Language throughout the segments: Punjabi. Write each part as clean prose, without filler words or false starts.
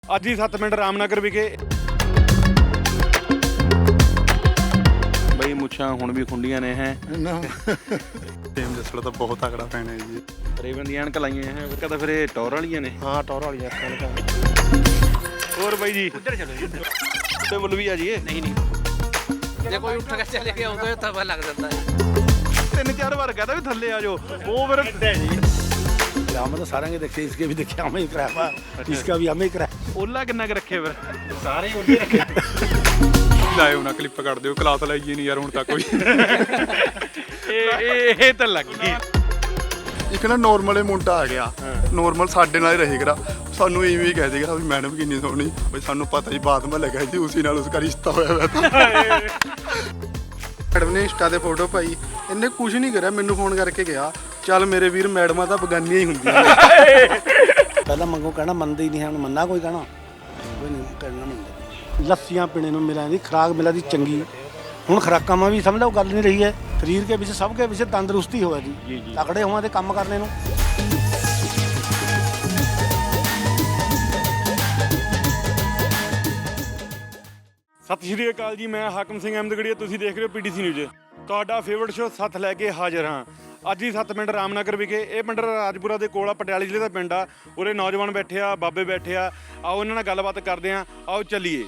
ਅੱਜ ਹੀ 7 ਮਿੰਟ ਰਾਮਨਗਰ ਵਿਖੇ ਬਈ ਮੁੱਛਾਂ ਹੁਣ ਵੀ ਖੁੰਡੀਆਂ ਨੇ ਹੈ ਟੀਮ ਜਸਲ ਤਾਂ ਬਹੁਤ ਤਕੜਾ ਫੈਨ ਹੈ ਜੀ। ਰੇਵਨ ਦੀਆਂ ਐਨਕਾਂ ਲਾਈਆਂ ਹੈ ਕਹਿੰਦਾ ਫਿਰ ਇਹ ਟੌਰ ਵਾਲੀਆਂ ਨੇ। ਹਾਂ ਟੌਰ ਵਾਲੀਆਂ ਅੱਖਾਂ। ਹੋਰ ਬਾਈ ਜੀ उधर चलो जी उधर। ਤੇ ਮੁੱਲ ਵੀ ਆ ਜੀ नहीं जे कोई उठ के चले गया तो तब लग जाता है। 3-4 ਵਾਰ ਕਹਦਾ ਵੀ ਥੱਲੇ ਆ ਜਾਓ ਉਹ ਫਿਰ हम तो सारे देखे, इसके भी देखे, हमें ही कराया, इसका भी हमें ही कराया। ਓਲਾ ਕਿੰਨਾ ਕੁ ਰੱਖੇ ਫਿਰ सारे उधर रखे। ਲਾਇਓ ਨਾ ਕਲਿੱਪ ਕੱਢ ਦਿਓ, ਕਲਾਸ ਲਾਈਏ ਨਹੀਂ ਯਾਰ ਹੁਣ ਤੱਕ ਕੋਈ। ਇਹ ਤਾਂ ਲੱਗ ਗਈ। ਇੱਕ ਨਾ ਨੋਰਮਲ ਮੁੰਡਾ ਆ ਗਿਆ, ਨੋਰਮਲ ਸਾਡੇ ਨਾਲ ਹੀ ਰਹੇਗਾ, ਸਾਨੂੰ ਇਵੇਂ ਹੀ ਕਹਿ ਦੇਗਾ ਵੀ ਮੈਡਮ ਕਿੰਨੀ ਸੋਹਣੀ। ਬਈ ਸਾਨੂੰ ਪਤਾ ਹੀ ਬਾਤ ਮੈਂ ਲੱਗਾ ਜੀ ਉਸੇ ਨਾਲ ਉਸका ਰਿਸ਼ਤਾ ਹੋਇਆ ਹੋਇਆ ਤਾਂ। ਮੈਡਮ ਨੇ ਇੰਸਟਾ ਤੇ ਫੋਟੋ ਪਾਈ, ਇਹਨੇ ਕੁਝ ਨਹੀਂ ਕਰਿਆ, ਮੈਨੂੰ ਫੋਨ ਕਰਕੇ ਗਿਆ ਚੱਲ ਮੇਰੇ ਵੀਰ ਮੈਡਮਾਂ ਤਾਂ ਬਗਾਨੀਆਂ ਹੀ ਹੁੰਦੀਆਂ ਨੇ। पहला मंगो कहना मनते ही नहीं है, हम मन्ना कोई कहना कोई नहीं कहना मनते। लस्सियां पीने में मिला दी, खुराक मिला दी चंगी। ਹੁਣ ਖੁਰਾਕਾਂ ਮਾ ਵੀ ਸਮਝ ਲਓ ਗੱਲ ਨਹੀਂ ਰਹੀ ਹੈ, ਸਰੀਰ ਕੇ ਵਿੱਚ ਸਭ ਕੇ ਵਿੱਚ ਤੰਦਰੁਸਤੀ ਹੋਵੇ ਜੀ ਤਕੜੇ ਹੋਵਾਂ ਤੇ ਕੰਮ ਕਰਨੇ ਨੂੰ। ਸਤਿ ਸ਼੍ਰੀ ਅਕਾਲ ਜੀ, ਮੈਂ ਹਾਕਮ ਸਿੰਘ ਅਹਿਮਦਗੜੀਆ, ਤੁਸੀਂ ਦੇਖ ਰਹੇ ਹੋ ਪੀਟੀਸੀ ਨਿਊਜ਼। ਤੁਹਾਡਾ ਫੇਵਰਟ ਸ਼ੋਅ ਸੱਥ ਲੈ ਕੇ ਹਾਜ਼ਰ ਹਾਂ। ਅੱਜ ਹੀ 7 ਮਿੰਟ ਰਾਮਨਗਰ ਵਿਖੇ, ਇਹ ਪਿੰਡ ਰਾਜਪੁਰਾ ਦੇ ਕੋਲ ਆ, ਪਟਿਆਲੇ ਜ਼ਿਲ੍ਹੇ ਦਾ ਪਿੰਡ ਆ। ਉਰੇ ਨੌਜਵਾਨ ਬੈਠੇ ਆ, ਬਾਬੇ ਬੈਠੇ ਆ, ਆਓ ਇਹਨਾਂ ਨਾਲ ਗੱਲਬਾਤ ਕਰਦੇ ਆ, ਆਓ ਚੱਲੀਏ।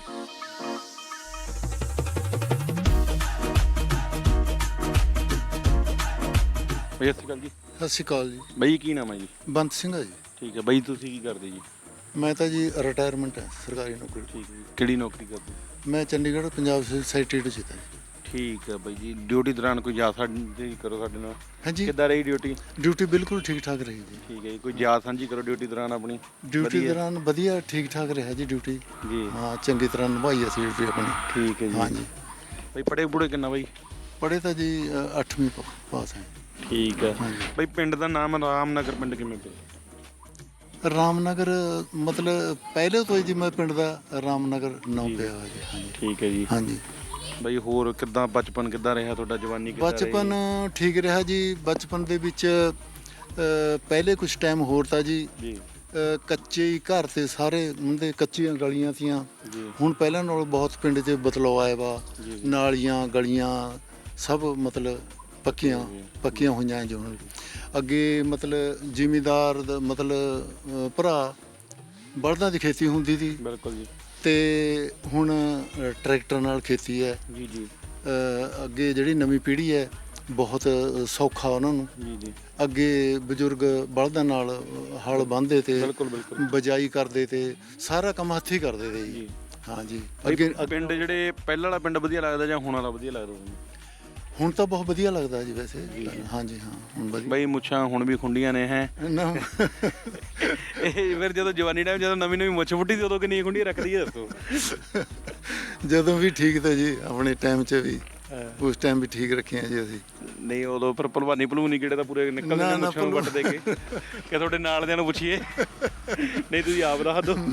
ਬਈ ਸਤਿ ਸ਼੍ਰੀ ਅਕਾਲ ਜੀ। ਸਤਿ ਸ਼੍ਰੀ ਅਕਾਲ ਜੀ। ਬਈ ਕੀ ਨਾਮ ਹੈ ਜੀ? ਬੰਤ ਸਿੰਘ ਆ ਜੀ। ਠੀਕ ਹੈ ਬਈ, ਤੁਸੀਂ ਕੀ ਕਰਦੇ ਜੀ? ਮੈਂ ਤਾਂ ਜੀ ਰਿਟਾਇਰਮੈਂਟ ਹੈ, ਸਰਕਾਰੀ ਨੌਕਰੀ। ਠੀਕ ਹੈ ਜੀ, ਕਿਹੜੀ ਨੌਕਰੀ ਕਰਦੇ? ਮੈਂ ਚੰਡੀਗੜ੍ਹ ਪੰਜਾਬ ਸੋਸਾਇਟੀ ਚ ਜੀ। ਠੀਕ ਹੈ ਬਾਈ ਜੀ। ਡਿਊਟੀ ਦੌਰਾਨ ਕੋਈ ਯਾਦ ਸਾਂਝੀ ਕਰੋ ਸਾਡੇ ਨਾਲ। ਹਾਂਜੀ ਕਿੱਦਾਂ ਰਹੀ ਡਿਊਟੀ? ਡਿਊਟੀ ਬਿਲਕੁਲ ਠੀਕ ਠਾਕ ਰਹੀ ਜੀ। ਠੀਕ ਹੈ ਜੀ, ਕੋਈ ਯਾਦ ਸਾਂਝੀ ਕਰੋ ਡਿਊਟੀ ਦੌਰਾਨ ਆਪਣੀ। ਡਿਊਟੀ ਵਧੀਆ। ਦੌਰਾਨ ਵਧੀਆ ਠੀਕ ਠਾਕ ਰਿਹਾ ਜੀ ਡਿਊਟੀ। ਜੀ ਹਾਂ ਚੰਗੀ ਤਰ੍ਹਾਂ ਨਿਭਾਈ ਅਸੀਂ ਡਿਊਟੀ ਆਪਣੀ। ਠੀਕ ਹੈ ਜੀ। ਹਾਂਜੀ ਬਾਈ ਪੜੇ ਪੂੜੇ ਕਿੰਨਾ ਬਾਈ? ਪੜ੍ਹੇ ਤਾਂ ਜੀ 8ਵੀਂ ਪਾਸ ਹੈ। ਠੀਕ ਹੈ ਹਾਂਜੀ। ਬਾਈ ਪਿੰਡ ਦਾ ਨਾਮ ਰਾਮਨਗਰ ਪਿੰਡ ਕਿਵੇਂ ਪਿਆ? ਰਾਮਨਗਰ ਮਤਲਬ ਪਹਿਲੇ ਤੋਂ ਹੀ ਜੀ ਮੈਂ ਪਿੰਡ ਦਾ ਰਾਮਨਗਰ ਨਾਮ ਪਿਆ ਹੋਇਆ ਜੀ। ਹਾਂਜੀ ਠੀਕ ਹੈ ਜੀ। ਹਾਂਜੀ ਬਾਈ ਹੋਰ ਕਿੱਦਾਂ ਬਚਪਨ ਕਿੱਦਾਂ ਰਿਹਾ ਤੁਹਾਡਾ, ਜਵਾਨੀ ਕਿੱਦਾਂ ਰਹੀ? ਬਚਪਨ ਠੀਕ ਰਿਹਾ ਜੀ। ਬਚਪਨ ਦੇ ਵਿੱਚ ਪਹਿਲੇ ਕੁਝ ਟਾਈਮ ਹੋਰ ਤਾਂ ਜੀ ਜੀ ਕੱਚੇ ਹੀ ਘਰ ਤੇ ਸਾਰੇ ਹੁੰਦੇ, ਕੱਚੀਆਂ ਗਲੀਆਂ ਸੀਆਂ। ਜੀ ਹੁਣ ਪਹਿਲਾਂ ਨਾਲੋਂ ਬਹੁਤ ਪਿੰਡ 'ਚ ਬਦਲਾਅ ਆਇਆ ਵਾ। ਜੀ। ਨਾਲੀਆਂ ਗਲੀਆਂ ਸਭ ਮਤਲਬ ਪੱਕੀਆਂ ਹੋਈਆਂ ਜੋ ਹੁਣ। ਅੱਗੇ ਮਤਲਬ ਜ਼ਿਮੀਦਾਰ ਦਾ ਮਤਲਬ ਭਰਾ ਬਲਦਾਂ ਦੀ ਖੇਤੀ ਹੁੰਦੀ ਸੀ ਬਿਲਕੁਲ ਜੀ। ਤੇ ਹੁਣ ਟਰੈਕਟਰ ਨਾਲ ਖੇਤੀ ਹੈ। ਜੀ ਜੀ ਅੱਗੇ ਜਿਹੜੀ ਨਵੀਂ ਪੀੜ੍ਹੀ ਹੈ ਬਹੁਤ ਸੌਖਾ ਉਹਨਾਂ ਨੂੰ। ਜੀ ਜੀ ਅੱਗੇ ਬਜ਼ੁਰਗ ਬਲਦਾਂ ਨਾਲ ਹਲ ਬੰਨ੍ਹਦੇ ਤੇ ਬਿਲਕੁਲ ਬਿਲਕੁਲ। ਬਜਾਈ ਕਰਦੇ ਤੇ ਸਾਰਾ ਕੰਮ ਹੱਥੀਂ ਕਰਦੇ ਤੇ ਜੀ। ਜੀ ਹਾਂਜੀ ਅੱਗੇ ਅੱਗੇ ਪਿੰਡ ਜਿਹੜੇ ਪਹਿਲਾਂ ਵਾਲਾ ਪਿੰਡ ਵਧੀਆ ਲੱਗਦਾ ਜਾਂ ਹੁਣ ਵਾਲਾ ਵਧੀਆ ਲੱਗਦਾ ਤੁਹਾਨੂੰ? ਹੁਣ ਤਾਂ ਬਹੁਤ ਵਧੀਆ ਲੱਗਦਾ ਜੀ ਵੈਸੇ। ਹਾਂਜੀ ਹਾਂ ਹੁਣ ਵਧੀਆ। ਬਾਈ ਮੁੱਛਾਂ ਹੁਣ ਵੀ ਖੁੰਡੀਆਂ ਨੇ ਹੈ। ਨਾ ਇਹ ਫਿਰ ਜਦੋਂ ਜਵਾਨੀ ਟਾਈਮ ਜਦੋਂ ਨਵੀਂ ਮੁੱਛ ਫੁੱਟੀ ਸੀ ਉਦੋਂ ਕਿੰਨੀਆਂ ਖੁੰਡੀਆਂ ਰੱਖਦੀ ਹੈ ਦੱਸੋ? ਜਦੋਂ ਵੀ ਠੀਕ ਤੇ ਜੀ ਆਪਣੇ ਟਾਈਮ 'ਚ ਵੀ ਉਸ ਟਾਈਮ ਵੀ ਠੀਕ ਰੱਖੀਆਂ ਜੀ ਅਸੀਂ। ਨਹੀਂ ਉਦੋਂ ਫਿਰ ਭਲਵਾਨੀ ਕਿਹੜੇ ਤਾਂ ਪੂਰੇ ਨਿਕਲ ਜਾਂਦੇ ਮੁੱਛਾਂ ਨੂੰ ਵੱਟ ਦੇ ਕੇ ਕਿ ਤੁਹਾਡੇ ਨਾਲ ਦਿਆਂ ਨੂੰ ਪੁੱਛੀਏ। ਨਹੀਂ ਤੁਸੀਂ ਆਪ ਦੱਸ ਦਿਓ।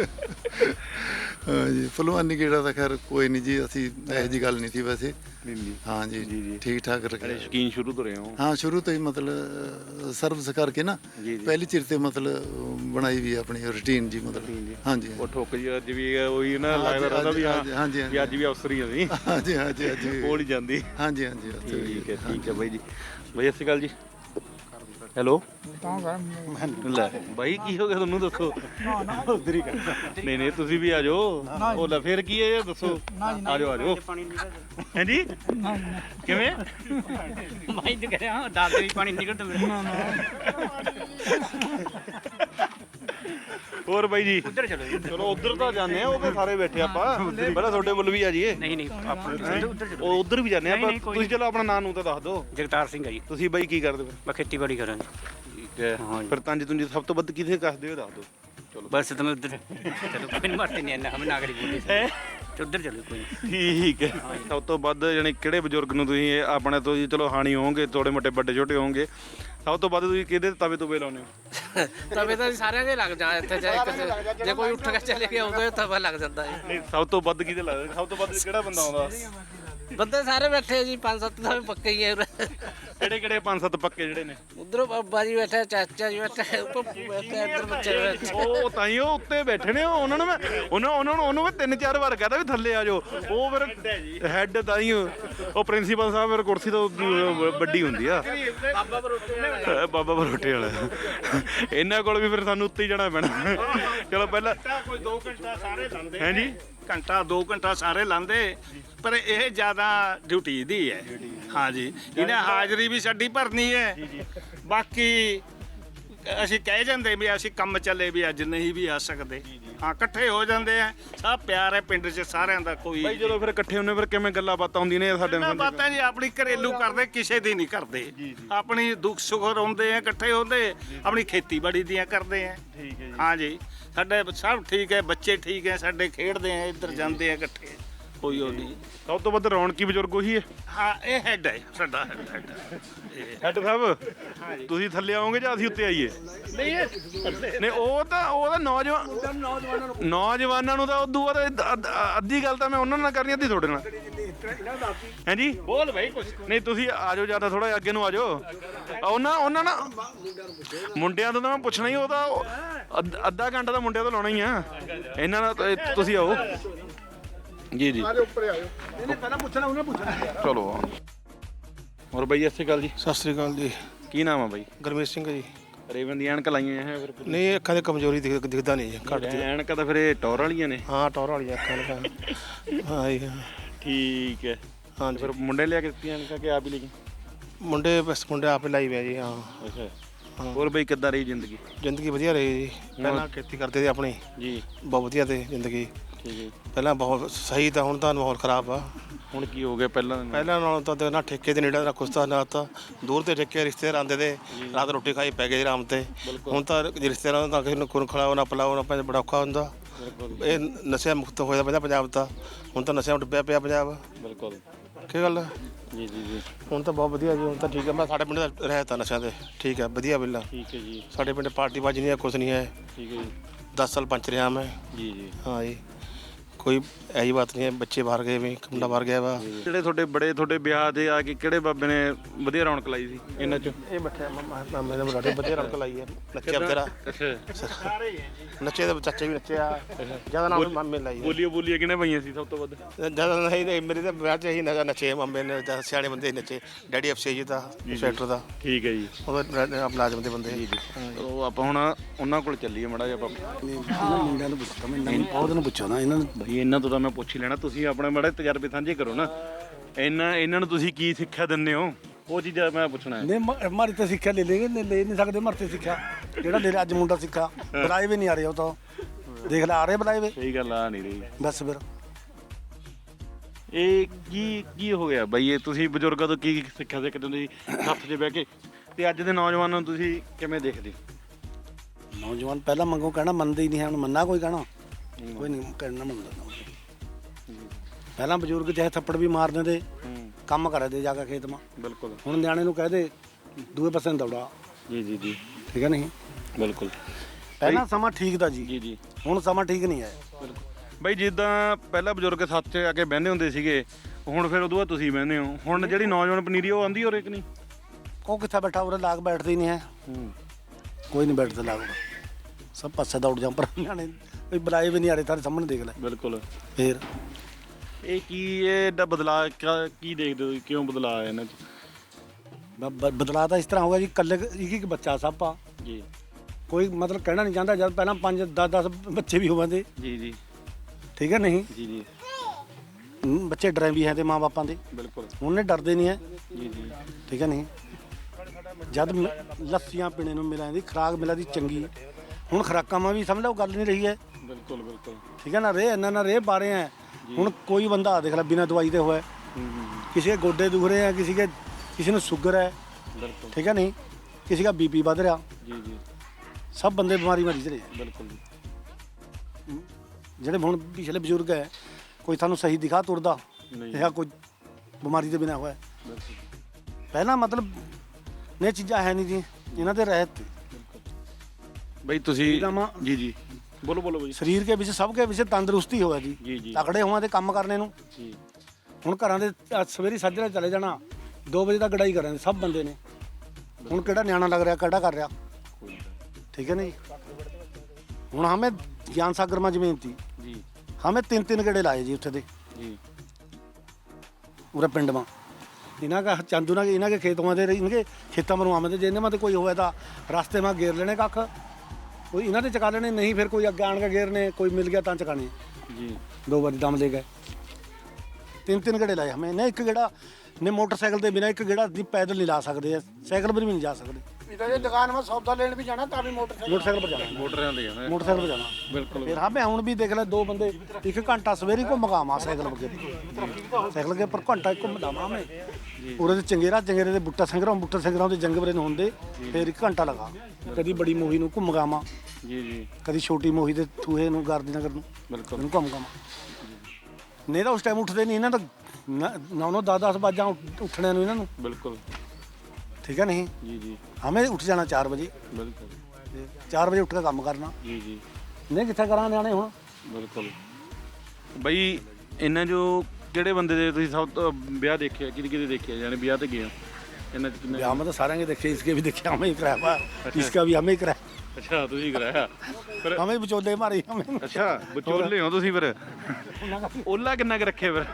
ਹਾਂਜੀ ਭਲਵਾਨੀ ਕਿਹੜਾ ਤਾਂ ਖੈਰ ਕੋਈ ਨਹੀਂ ਜੀ, ਅਸੀਂ ਇਹੋ ਜਿਹੀ ਗੱਲ ਨਹੀਂ ਸੀ ਵੈਸੇ। ਜੀ ਹਾਂ ਜੀ, ਜੀ। ਜੀ ਠੀਕ ਠਾਕ ਅਰੇ ਰੱਖਿਆ। ਸ਼ੌਕੀਨ ਸ਼ੁਰੂ ਤੋਂ ਰਹੇ ਹੋ? ਹਾਂ ਸ਼ੁਰੂ ਤੋਂ ਹੀ ਮਤਲਬ ਸਰਵਿਸ ਕਰਕੇ ਨਾ ਜੀ ਜੀ। ਪਹਿਲੀ ਚਿਰ ਤੇ ਮਤਲਬ ਬਣਾਈ ਵੀ ਆਪਣੀ ਰੁਟੀਨ ਜੀ ਮਤਲਬ। ਹਾਂਜੀ ਉਹ ਠੁੱਕ ਜੀ ਅੱਜ ਵੀ ਉਹੀ ਨਾ ਲੱਗਦਾ ਰਹਿੰਦਾ ਵੀ ਹਾਂ ਹਾਂਜੀ ਵੀ ਅੱਜ ਵੀ ਅਫਸਰ ਹੀ ਅਸੀਂ ਹਾਂਜੀ ਹਾਂਜੀ ਅੱਜ ਵੀ। ਬੋਲ ਹੀ ਜਾਂਦੀ। ਹਾਂਜੀ ਹਾਂਜੀ ਠੀਕ ਹੈ ਬਾਈ ਜੀ। ਬਾਈ ਸਤਿ ਸ਼੍ਰੀ ਅਕਾਲ ਜੀ। ਹੈਲੋ ਲੈ ਬਾਈ ਕੀ ਹੋ ਗਿਆ ਤੁਹਾਨੂੰ ਦੱਸੋ? ਨਹੀਂ ਨਹੀਂ ਤੁਸੀਂ ਵੀ ਆ ਜਾਓ। ਉਹ ਲੈ ਫਿਰ ਕੀ ਹੈ ਇਹ ਦੱਸੋ? ਆ ਜਾਓ ਹਾਂਜੀ ਕਿਵੇਂ? मैं तो कह रहा हूँ दांत से भी पानी निकलता मेरे। ਹੋਰ ਬਾਈ ਜੀ उधर चलो जी उधर। ਚਲੋ ਉਧਰ ਤਾਂ ਜਾਂਦੇ ਆ, ਉਹ ਤਾਂ ਸਾਰੇ ਬੈਠੇ ਆਪਾਂ ਪਹਿਲਾਂ ਤੁਹਾਡੇ ਵੱਲ ਵੀ ਆ ਜੀਏ। नहीं नहीं आप उधर चलो। ਉਹ ਉਧਰ ਵੀ ਜਾਂਦੇ ਆ ਆਪਾਂ। ਨਹੀਂ, ਕੋਈ ਤੁਸੀਂ ਚਲੋ ਆਪਣਾ ਨਾਂ ਨੂੰ ਤਾਂ ਦੱਸ ਦਿਓ। जगतार सिंह है जी। ਤੁਸੀਂ ਬਾਈ ਕੀ ਕਰਦੇ ਫਿਰ? मैं खेती बाड़ी कर ਠੀਕ ਹੈ ਹਾਂਜੀ। ਫਿਰ ਤੰਜ ਤੁੰਜ ਸਭ ਤੋਂ ਵੱਧ ਕਿਥੇ ਕੱਸਦੇ ਹੋ ਦੱਸ ਦਿਓ। ਚਲੋ बस तुम्हें उधर चलो कोई नहीं मरते नहीं है, हमें नागरी बोली ਹੈ तो उधर चलो कोई नहीं। ਠੀਕ ਹੈ। ਸਭ ਤੋਂ ਵੱਧ ਜਾਨੀ ਕਿਹੜੇ ਬਜ਼ੁਰਗ ਨੂੰ ਤੁਸੀਂ ਆਪਣੇ ਤੋਂ ਜੀ ਚਲੋ ਹਾਣੀ ਹੋਵੋਗੇ, ਥੋੜੇ ਮੋਟੇ ਵੱਡੇ ਛੋਟੇ ਹੋਵੋਗੇ, ਸਭ ਤੋਂ ਵੱਧ ਤੁਸੀਂ ਕਿਹਦੇ ਤਵੇ ਤੋਂ ਲਾਉਂਦੇ ਹੋ? तबे तो सारे दे लग जाए इत्थे जे कोई उठ के चले गया तो तब लग जाता है। ਨਹੀਂ ਸਭ ਤੋਂ ਵੱਧ ਕਿਹਦੇ ਲੱਗਦਾ? ਸਭ ਤੋਂ ਵੱਧ ਕਿਹੜਾ ਬੰਦਾ ਆਉਂਦਾ? ਬੰਦੇ ਸਾਰੇ ਬੈਠੇ ਆ ਜੀ 5-7 ਤਾਂ ਪੱਕੇ ਹੀ ਹੈ ਕਿਹੜੇ ਕਿਹੜੇ 5-7 ਪੱਕੇ ਜਿਹੜੇ ਨੇ? ਉਧਰੋਂ ਬਾਬਾ ਜੀ ਬੈਠਾ, ਚਾਚਾ ਜੀ ਬੈਠਾ, ਪੱਪੂ ਬੈਠਾ, ਇੱਧਰ ਬੱਚੇ ਬੈਠੇ। ਉਹ ਤਾਂ ਹੀ ਉਹ ਉੱਤੇ ਬੈਠੇ ਨੇ, ਉਹਨਾਂ ਨੂੰ ਮੈਂ ਉਹਨੂੰ ਮੈਂ 3-4 ਵਾਰ ਕਹਤਾ ਵੀ ਥੱਲੇ ਆ ਜਾਓ। ਉਹ ਫਿਰ ਹੈੱਡ ਤਾਂ ਹੀ ਉਹ ਪ੍ਰਿੰਸੀਪਲ ਸਾਹਿਬ ਫਿਰ ਕੁਰਸੀ ਤੋਂ ਵੱਡੀ ਹੁੰਦੀ ਆ। ਬਾਬਾ ਬਰੋਟੇ ਵਾਲਾ ਇਹਨਾਂ ਕੋਲ ਵੀ ਫਿਰ ਸਾਨੂੰ ਉੱਤੇ ਹੀ ਜਾਣਾ ਪੈਣਾ। ਚਲੋ ਪਹਿਲਾਂ ਕੋਈ 2 ਘੰਟਾ ਸਾਰੇ ਲਾਉਂਦੇ ਹੈ ਜੀ, ਘੰਟਾ 2 ਘੰਟਾ ਸਾਰੇ ਲਾਉਂਦੇ, ਪਰ ਇਹ ਜ਼ਿਆਦਾ ਡਿਊਟੀ ਦੀ ਹੈ। ਹਾਂਜੀ, ਇਹਨੇ ਹਾਜ਼ਰੀ ਵੀ ਸਾਡੀ ਭਰਨੀ ਹੈ। ਬਾਕੀ ਅਸੀਂ ਕਹਿ ਜਾਂਦੇ ਵੀ ਅਸੀਂ ਕੰਮ ਚੱਲੇ ਵੀ ਅੱਜ ਨਹੀਂ ਵੀ ਆ ਸਕਦੇ। ਹਾਂ, ਇਕੱਠੇ ਹੋ ਜਾਂਦੇ ਆ, ਸਭ ਪਿਆਰ ਹੈ ਪਿੰਡ 'ਚ ਸਾਰਿਆਂ ਦਾ। ਕੋਈ ਭਾਈ ਜਦੋਂ ਫਿਰ ਇਕੱਠੇ ਹੁੰਦੇ ਫਿਰ ਕਿਵੇਂ ਗੱਲਾਂ ਬਾਤਾਂ ਹੁੰਦੀਆਂ ਨੇ ਸਾਡੇ ਨਾ ਨਾਲ? ਬਾਤਾਂ ਜੀ ਆਪਣੀ ਘਰੇਲੂ ਕਰਦੇ, ਕਿਸੇ ਦੀ ਨਹੀਂ ਕਰਦੇ। ਆਪਣੀ ਦੁੱਖ ਸੁੱਖ ਰੋਂਦੇ ਆ, ਇਕੱਠੇ ਹੁੰਦੇ, ਆਪਣੀ ਖੇਤੀਬਾੜੀ ਦੀਆਂ ਕਰਦੇ ਆ। ਠੀਕ ਹੈ ਜੀ। ਹਾਂਜੀ, ਸਾਡੇ ਸਭ ਠੀਕ ਹੈ, ਬੱਚੇ ਠੀਕ ਹੈ, ਸਾਡੇ ਖੇਡਦੇ ਆ, ਇੱਧਰ ਜਾਂਦੇ ਆ ਇਕੱਠੇ, ਕੋਈ ਉਹ ਨਹੀਂ। ਸਭ ਤੋਂ ਵੱਧ ਰੌਣਕੀ ਬਜ਼ੁਰਗ ਉਹੀ ਹੈ। ਹਾਂ, ਇਹ ਹੈਡ ਹੈ ਸਾਡਾ ਹੈਡ। ਹੈੱਡ ਸਾਹਿਬ ਤੁਸੀਂ ਥੱਲੇ ਆਓਗੇ ਜਾਂ ਅਸੀਂ ਉੱਤੇ ਆਈਏ? ਨਹੀਂ ਉਹ ਤਾਂ ਨੌਜਵਾਨਾਂ ਨੂੰ ਤਾਂ ਉਦੋਂ ਬਾਅਦ ਅੱਧੀ ਗੱਲ ਤਾਂ ਮੈਂ ਉਹਨਾਂ ਨਾਲ ਕਰਨੀ, ਅੱਧੀ ਤੁਹਾਡੇ ਨਾਲ। ਹੈ ਜੀ, ਬੋਲ ਭਾਈ ਕੁਝ। ਨਹੀਂ ਤੁਸੀਂ ਆ ਜਾਓ, ਜਿਆਦਾ ਥੋੜਾ ਅੱਗੇ ਨੂੰ ਆ ਜਾਓ। ਉਹਨਾਂ ਨਾਲ ਮੁੰਡਿਆਂ ਤੋਂ ਤਾਂ ਮੈਂ ਪੁੱਛਣਾ ਹੀ, ਉਹਦਾ ਅੱਧਾ ਘੰਟਾ ਤਾਂ ਮੁੰਡਿਆਂ ਤੋਂ ਲਾਉਣਾ ਹੀ ਆ। ਇਹਨਾਂ ਨਾਲ ਤੁਸੀਂ ਆਓ ਜੀ ਜੀ। ਉੱਪਰ ਆਇਓ। ਪਹਿਲਾਂ ਪੁੱਛਣਾ ਉਹਨੇ ਪੁੱਛਣਾ। ਚਲੋ ਹੋਰ ਬਾਈ, ਸਤਿ ਸ਼੍ਰੀ ਅਕਾਲ ਜੀ। ਸਤਿ ਸ੍ਰੀ ਅਕਾਲ ਜੀ। ਕੀ ਨਾਮ ਆ ਬਾਈ? ਗੁਰਮੀਤ ਸਿੰਘ ਜੀ। ਰੇਵਨ ਦੀ ਐਨਕ ਲਾਈਆਂ ਹੈ ਫਿਰ? ਨਹੀਂ, ਅੱਖਾਂ ਦੀ ਕਮਜ਼ੋਰੀ ਦਿਖਦਾ ਨਹੀਂ ਜੀ, ਘੱਟ ਦੀ। ਐਨਕਾਂ ਤਾਂ ਫਿਰ ਇਹ ਟੌਰ ਵਾਲੀਆਂ ਨੇ। ਹਾਂ, ਟੌਰ ਵਾਲੀਆਂ ਅੱਖਾਂ ਨੇ। ਹਾਂ ਜੀ, ਹਾਂ। ਠੀਕ ਹੈ। ਹਾਂਜੀ, ਫਿਰ ਮੁੰਡੇ ਲਿਆ ਕੇ ਦਿੱਤੀਆਂ ਐਨਕਾਂ ਕਿ ਆਪ ਹੀ ਲਈ? ਮੁੰਡੇ ਆਪੇ ਲਾਈ ਪਿਆ ਜੀ। ਹਾਂ। ਅੱਛਾ। ਹੋਰ ਬਈ ਕਿੱਦਾਂ ਰਹੀ ਜ਼ਿੰਦਗੀ? ਜ਼ਿੰਦਗੀ ਵਧੀਆ ਰਹੀ ਜੀ। ਪਹਿਲਾਂ ਖੇਤੀ ਕਰਦੇ ਸੀ ਆਪਣੀ, ਜੀ ਬਹੁਤ ਵਧੀਆ ਤੇ ਜ਼ਿੰਦਗੀ। ਠੀਕ ਹੈ। ਪਹਿਲਾਂ ਬਹੁਤ ਸਹੀ, ਤਾਂ ਹੁਣ ਤਾਂ ਮਾਹੌਲ ਖਰਾਬ ਆ। ਹੁਣ ਕੀ ਹੋ ਗਿਆ ਪਹਿਲਾਂ? ਪਹਿਲਾਂ ਨਾਲੋਂ ਤਾਂ ਨਾ ਠੇਕੇ ਦੇ ਨੇੜੇ ਨਾ ਕੁਛ ਤਾਂ ਨਾ ਤਾਂ ਦੂਰ ਤੇ ਠੇਕੇ ਰਿਸ਼ਤੇਦਾਰ ਆਉਂਦੇ ਤੇ ਰਾਤ ਰੋਟੀ ਖਾਈ ਪੈ ਗਏ ਆਰਾਮ ਤੇ। ਹੁਣ ਤਾਂ ਰਿਸ਼ਤੇਦਾਰਾਂ ਨੂੰ ਤਾਂ ਕਿਸੇ ਨੂੰ ਖੁਨ ਖਿਲਾਓ ਨਾ ਪਿਲਾਓ ਨਾ, ਬੜਾ ਔਖਾ ਹੁੰਦਾ। ਇਹ ਨਸ਼ਿਆਂ ਮੁਕਤ ਹੋਇਆ ਪਹਿਲਾਂ ਪੰਜਾਬ ਤਾਂ, ਹੁਣ ਤਾਂ ਨਸ਼ਿਆਂ ਡੁੱਬਿਆ ਪਿਆ ਪੰਜਾਬ। ਬਿਲਕੁਲ। ਕੀ ਗੱਲ? ਜੀ ਜੀ ਜੀ। ਹੁਣ ਤਾਂ ਬਹੁਤ ਵਧੀਆ ਜੀ, ਹੁਣ ਤਾਂ ਠੀਕ ਹੈ। ਮੈਂ ਸਾਡੇ ਪਿੰਡ ਦਾ ਰਹਿਤਾ ਨਸ਼ਿਆਂ ਤੇ, ਠੀਕ ਹੈ, ਵਧੀਆ ਬਿੱਲਾ। ਠੀਕ ਹੈ ਜੀ। ਸਾਡੇ ਪਿੰਡ ਪਾਰਟੀ ਬਾਜੀ ਨਹੀਂ ਹੈ, ਕੁਛ ਨਹੀਂ ਹੈ। ਠੀਕ ਹੈ ਜੀ। 10 ਸਾਲ ਪੰਚ ਰਿਹਾ ਮੈਂ। ਜੀ ਜੀ। ਹਾਂ ਜੀ, ਕੋਈ ਐਸੀ ਬਾਤ ਨਹੀਂ ਹੈ। ਬੱਚੇ ਬਾਹਰ ਗਏ ਵੀ, ਮੁੰਡਾ ਬਾਹਰ ਗਿਆ ਵਾ। ਜਿਹੜੇ ਤੁਹਾਡੇ ਵਿਆਹ ਦੇ ਆ ਕੇ ਕਿਹੜੇ ਬਾਬੇ ਨੇ ਵਧੀਆ ਰੌਣਕ ਲਾਈ ਸੀ ਇਹਨਾਂ ਚ? ਇਹ ਬੱਠੇ ਮਾਮੇ ਦੇ ਬਰਾੜੇ ਵਧੀਆ ਰੌਣਕ ਲਾਈ ਹੈ। ਨੱਚਿਆ ਬਤੇਰਾ, ਅੱਛਾ। ਨੱਚੇ ਦੇ ਚਾਚੇ ਵੀ ਨੱਚਿਆ, ਜਿਆਦਾ ਨਾਮ ਮਾਮੇ ਲਾਈ ਹੈ। ਬੋਲੀਆਂ ਕਿਹਨੇ ਪਾਈਆਂ ਸੀ ਸਭ ਤੋਂ ਵੱਧ? ਜਿਆਦਾ ਨਹੀਂ, ਮੇਰੇ ਤਾਂ ਵਿਆਹ 'ਚ ਹੀ ਨੱਚੇ ਮਾਮੇ ਨੇ, ਸਿਆਣੇ ਬੰਦੇ ਨੱਚੇ। ਡੈਡੀ ਅਫਸੇ ਜੀ ਦਾ, ਇੰਸਪੈਕਟਰ ਦਾ, ਠੀਕ ਹੈ ਜੀ। ਉਹਦਾ ਮੁਲਾਜ਼ਮ ਦੇ ਬੰਦੇ। ਉਹ ਆਪਾਂ ਹੁਣ ਉਹਨਾਂ ਕੋਲ ਚੱਲੀਏ ਮਾੜਾ ਜਿਹਾ ਆਪਾਂ। ਮੁੰਡਿਆਂ ਨੂੰ ਪੁੱਛਦਾ ਮੈਂ, ਬਹੁਤ ਨੂੰ ਪੁੱਛੋ ਨਾ ਇਹਨਾਂ ਨੂੰ। ਬਈ ਇਹਨਾਂ ਤੋਂ ਤਾਂ ਮੈਂ ਪੁੱਛ ਹੀ ਲੈਣਾ, ਤੁਸੀਂ ਆਪਣੇ ਬੜੇ ਤਜਰਬੇ ਸਾਂਝੇ ਕਰੋ ਨਾ। ਇਹਨਾਂ ਨੂੰ ਤੁਸੀਂ ਕੀ ਸਿੱਖਿਆ ਦਿੰਦੇ ਹੋ, ਉਹ ਚੀਜ਼ਾਂ ਮੈਂ ਪੁੱਛਣਾ ਹੈ। ਨਹੀਂ ਮਾਰੀ ਤੇ ਸਿੱਖਿਆ ਲੈ ਨਹੀਂ ਸਕਦੇ, ਮਰਤੇ ਸਿੱਖਿਆ ਜਿਹੜਾ ਲੈ ਅੱਜ ਮੁੰਡਾ ਸਿੱਖਾ ਬੁਲਾਏ ਵੀ ਨਹੀਂ ਆ ਰਹੇ। ਉਹ ਤਾਂ ਦੇਖ ਲੈ ਆ ਰਹੇ ਬੁਲਾਏ ਵੇ, ਸਹੀ ਗੱਲ ਆ ਨਹੀਂ ਰਹੀ। ਬਸ ਫਿਰ ਇਹ ਕੀ ਹੋ ਗਿਆ ਬਈ? ਇਹ ਤੁਸੀਂ ਬਜ਼ੁਰਗਾਂ ਤੋਂ ਕੀ ਸਿੱਖਿਆ ਸਕਦੇ ਹੋ ਤੁਸੀਂ ਹੱਥ 'ਚ ਬਹਿ ਕੇ, ਤੇ ਅੱਜ ਦੇ ਨੌਜਵਾਨਾਂ ਨੂੰ ਤੁਸੀਂ ਕਿਵੇਂ ਦੇਖਦੇ? ਨੌਜਵਾਨ ਪਹਿਲਾਂ ਮੰਗੋ ਕਹਿਣਾ ਮੰਨਦੇ ਹੀ ਨਹੀਂ ਹੈ। ਹੁਣ ਮੰਨਾ ਕੋਈ ਕਹਿਣਾ, ਕੋਈ ਨਹੀਂ ਕਹਿਣਾ ਮੰਨਦਾ। ਪਹਿਲਾਂ ਬਜ਼ੁਰਗ ਚਾਹੇ ਥੱਪੜ ਵੀ ਮਾਰ ਦਿੰਦੇ, ਕੰਮ ਕਰਦੇ ਜਾ ਕੇ ਖੇਤ ਮਾ। ਬਿਲਕੁਲ। ਹੁਣ ਨਿਆਣੇ ਨੂੰ ਕਹਦੇ ਦੂਏ ਪਾਸੇ ਨੂੰ ਦੌੜਾ। ਜੀ ਜੀ ਜੀ। ਠੀਕ ਹੈ ਨਹੀਂ? ਬਿਲਕੁਲ। ਪਹਿਲਾਂ ਸਮਾਂ ਠੀਕ ਦਾ ਜੀ, ਜੀ ਜੀ। ਹੁਣ ਸਮਾਂ ਠੀਕ ਨਹੀਂ ਹੈ। ਬਈ ਜਿੱਦਾਂ ਪਹਿਲਾਂ ਬਜ਼ੁਰਗ ਸੱਤ 'ਚ ਆ ਕੇ ਬਹਿੰਦੇ ਹੁੰਦੇ ਸੀਗੇ, ਹੁਣ ਫਿਰ ਉਦੋਂ ਬਾਅਦ ਤੁਸੀਂ ਬਹਿੰਦੇ ਹੋ। ਹੁਣ ਜਿਹੜੀ ਨੌਜਵਾਨ ਪਨੀਰੀ ਉਹ ਆਉਂਦੀ ਹੋਰ ਇੱਕ ਨਹੀਂ? ਉਹ ਕਿੱਥੇ ਬੈਠਾ, ਉਰੇ ਲਾਗ ਬੈਠਦੇ ਹੀ ਨਹੀਂ ਹੈ। ਕੋਈ ਨਹੀਂ ਬੈਠਦਾ ਲਾਗ, ਸਭ ਪਾਸੇ ਦੌੜ ਜਾਂ ਪਰ ਨਿਆਣੇ ਕੋਈ ਬੁਲਾਏ ਵੀ ਨਹੀਂ ਆ ਰਹੇ। ਤੁਹਾਡੇ ਸਾਹਮਣੇ ਦੇਖ ਲੈ। ਬਿਲਕੁਲ। ਫੇਰ ਇਹ ਐਡਾ ਬਦਲਾਅ ਕੀ ਦੇਖਦੇ ਹੋ, ਕਿਉਂ ਬਦਲਾਅ ਆਇਆ ਇਹਨਾਂ 'ਚ? ਬਦਲਾਅ ਤਾਂ ਇਸ ਤਰ੍ਹਾਂ ਹੋਗਾ ਜੀ, ਇਕੱਲੇ ਇੱਕ ਬੱਚਾ ਸਭ ਆ ਜੀ। ਕੋਈ ਮਤਲਬ ਕਹਿਣਾ ਨਹੀਂ ਚਾਹੁੰਦਾ। ਜਦ ਪਹਿਲਾਂ 5-10 ਬੱਚੇ ਵੀ ਹੋਵਾਂਦੇ, ਜੀ ਜੀ। ਠੀਕ ਹੈ ਨਹੀਂ? ਜੀ ਜੀ। ਬੱਚੇ ਡਰੇ ਵੀ ਹੈ ਤੇ ਮਾਂ-ਬਾਪਾਂ ਦੇ, ਬਿਲਕੁਲ। ਉਹਨੇ ਡਰਦੇ ਨਹੀਂ ਹੈ। ਜੀ ਜੀ। ਠੀਕ ਹੈ ਨਹੀਂ? ਜਦ ਲੱਸੀਆਂ ਪੀਣੇ ਨੂੰ ਮਿਲਾਂ ਦੀ ਖੁਰਾਕ ਮਿਲਾਂ ਦੀ ਚੰਗੀ, ਹੁਣ ਖੁਰਾਕਾਂ ਮਾ ਵੀ ਸਮਝ ਲਓ ਗੱਲ ਨਹੀਂ ਰਹੀ ਹੈ। ਬਿਲਕੁਲ ਬਿਲਕੁਲ। ਠੀਕ ਹੈ ਨਾ? ਇਹਨਾਂ ਨਾਲ ਰੇਹ ਪਾ ਰਹੇ ਹੈ। ਹੁਣ ਕੋਈ ਬੰਦਾ ਦੇਖ ਲੈ ਬਿਨਾਂ ਦਵਾਈ ਦੇ ਹੋਇਆ, ਕਿਸੇ ਦੇ ਗੋਡੇ ਦੁਖ ਰਹੇ ਹੈ, ਕਿਸੇ ਨੂੰ ਸ਼ੂਗਰ ਹੈ। ਬਿਲकुल। ਠੀਕ ਹੈ नहीं? किसी का बीपी बढ़ रहा। जी जी। सब बंदे बीमारी मरीज रहे। बिल्कुल। ਜਿਹੜੇ ਹੁਣ ਪਿਛਲੇ ਬਜ਼ੁਰਗ ਹੈ, ਕੋਈ ਤੁਹਾਨੂੰ ਸਹੀ ਦਿਖਾ ਤੁਰਦਾ ਇਹ ਕੋਈ ਬਿਮਾਰੀ ਦੇ ਬਿਨਾ ਹੋਇਆ। ਪਹਿਲਾਂ ਮਤਲਬ ਨੇ ਚੀਜ਼ਾਂ ਹੈ ਨਹੀਂ ਜੀ, ਇਹਨਾਂ ਦੇ ਰਹਿਤ ਬਈ ਤੁਸੀਂ ਜੀ ਜੀ ਬੋਲੋ ਬੋਲੋ ਬਈ। ਸਰੀਰ के विषय सब के विषय तंदुरुस्ती होया जी, जी जी। तकड़े हुआ ते काम करने ਨੂੰ जी। ਹੁਣ ਘਰਾਂ ਦੇ ਸਵੇਰੀ ਸਾਜਰੇ ਚਲੇ ਜਾਣਾ 2 ਵਜੇ ਤੱਕ ਗੜਾਈ ਕਰਾਂਗੇ ਸਭ ਬੰਦੇ ਨੇ। ਹੁਣ ਕਿਹੜਾ ਨਿਆਣਾ ਲੱਗ ਰਿਹਾ ਕਿਹੜਾ ਕਰ ਰਿਹਾ, ਠੀਕ ਹੈ ਨਾ ਜੀ। ਹੁਣ ਹਮੇ ਗਿਆਨ ਸਾਗਰ ਮਾ ਜ਼ਮੀਨ थी ਜੀ हमें 3 गेड़े लाए जी उत्थे दे ਜੀ पूरा पिंड में। इन्हों का चंदू ना इन्हों के खेतों में इनके खेतों में आमद जिन्हें में कोई होया था रास्ते में घेर लेने कख कोई इन्हों ने चका लेने, नहीं फिर कोई अगे आन के घेरने, कोई मिल गया तो चकाने ਜੀ 2 बारी दम ले गए। 3 गेड़े लाए हमें। नहीं एक गेड़ा ने मोटरसाइकिल के बिना एक गेड़ा पैदल नहीं ला सकते, साइकिल पर भी नहीं जा सकते। दुकान में सौदा लेने भी जाना तभी मोटरसाइकिल पर जाना, ਮੋਟਰਾਂ ਤੇ ਜਾਣਾ मोटरसाइकिल पर जाना ਬਿਲਕੁਲ। फिर हमें हूँ भी देख लै 2 बंदे 1 घंटा सवेरे घूम गावा साइकिल पर साइकिल के पर घंटा घूम लावा हमें पूरे चंगेरा चंगेरे के बुट्टा संगरां के जंग बरे होंगे फिर 1 घंटा लगा। कभी बड़ी मोही नूं घूम गावा, ਜੀ ਜੀ कभी छोटी मोही के थूहे नूं गारदी नगर नूं ਬਿਲਕੁਲ घूम गावा। नहीं तो उस टाइम उठते नहीं, इन्हों तो 9 10 बाजा उठने नूं इन्हों ਬਿਲकुਲ ठीक है नहीं। ਜੀ ਜੀ हमें उठ जाना 4 बजे, ਬਿਲकुਲ 4 बजे उठ के काम करना। ਜੀ ਜੀ नहीं कितना करा न्याणे हुण ਬਿਲਕੁਲ। ਬਈ ਇਹਨਾਂ ਜੋ ਕਿਹੜੇ ਬੰਦੇ ਦੇ ਤੁਸੀਂ ਸਭ ਤੋਂ ਵਿਆਹ ਦੇਖਿਆ, ਕਿਹਦੇ ਕਿਹਦੇ ਦੇਖਿਆ, ਯਾਨੀ ਵਿਆਹ ਤੇ ਗਏ ਹੋ ਇਹਨਾਂ ਚ ਕਿੰਨੇ? हम तो सारे के देखे, इसके भी देखे, हमें ही कराया, इसका भी हमें ही कराया, ਅੱਛਾ ਤੁਸੀਂ ਕਰਾਇਆ ਫਿਰ? हमें भी बिचौले मारे हमें। ਅੱਛਾ ਵਿਚੋਲੇ ਹੋ ਤੁਸੀਂ ਫਿਰ? ਓਲਾ ਕਿੰਨਾ ਕੁ ਰੱਖਿਆ ਫਿਰ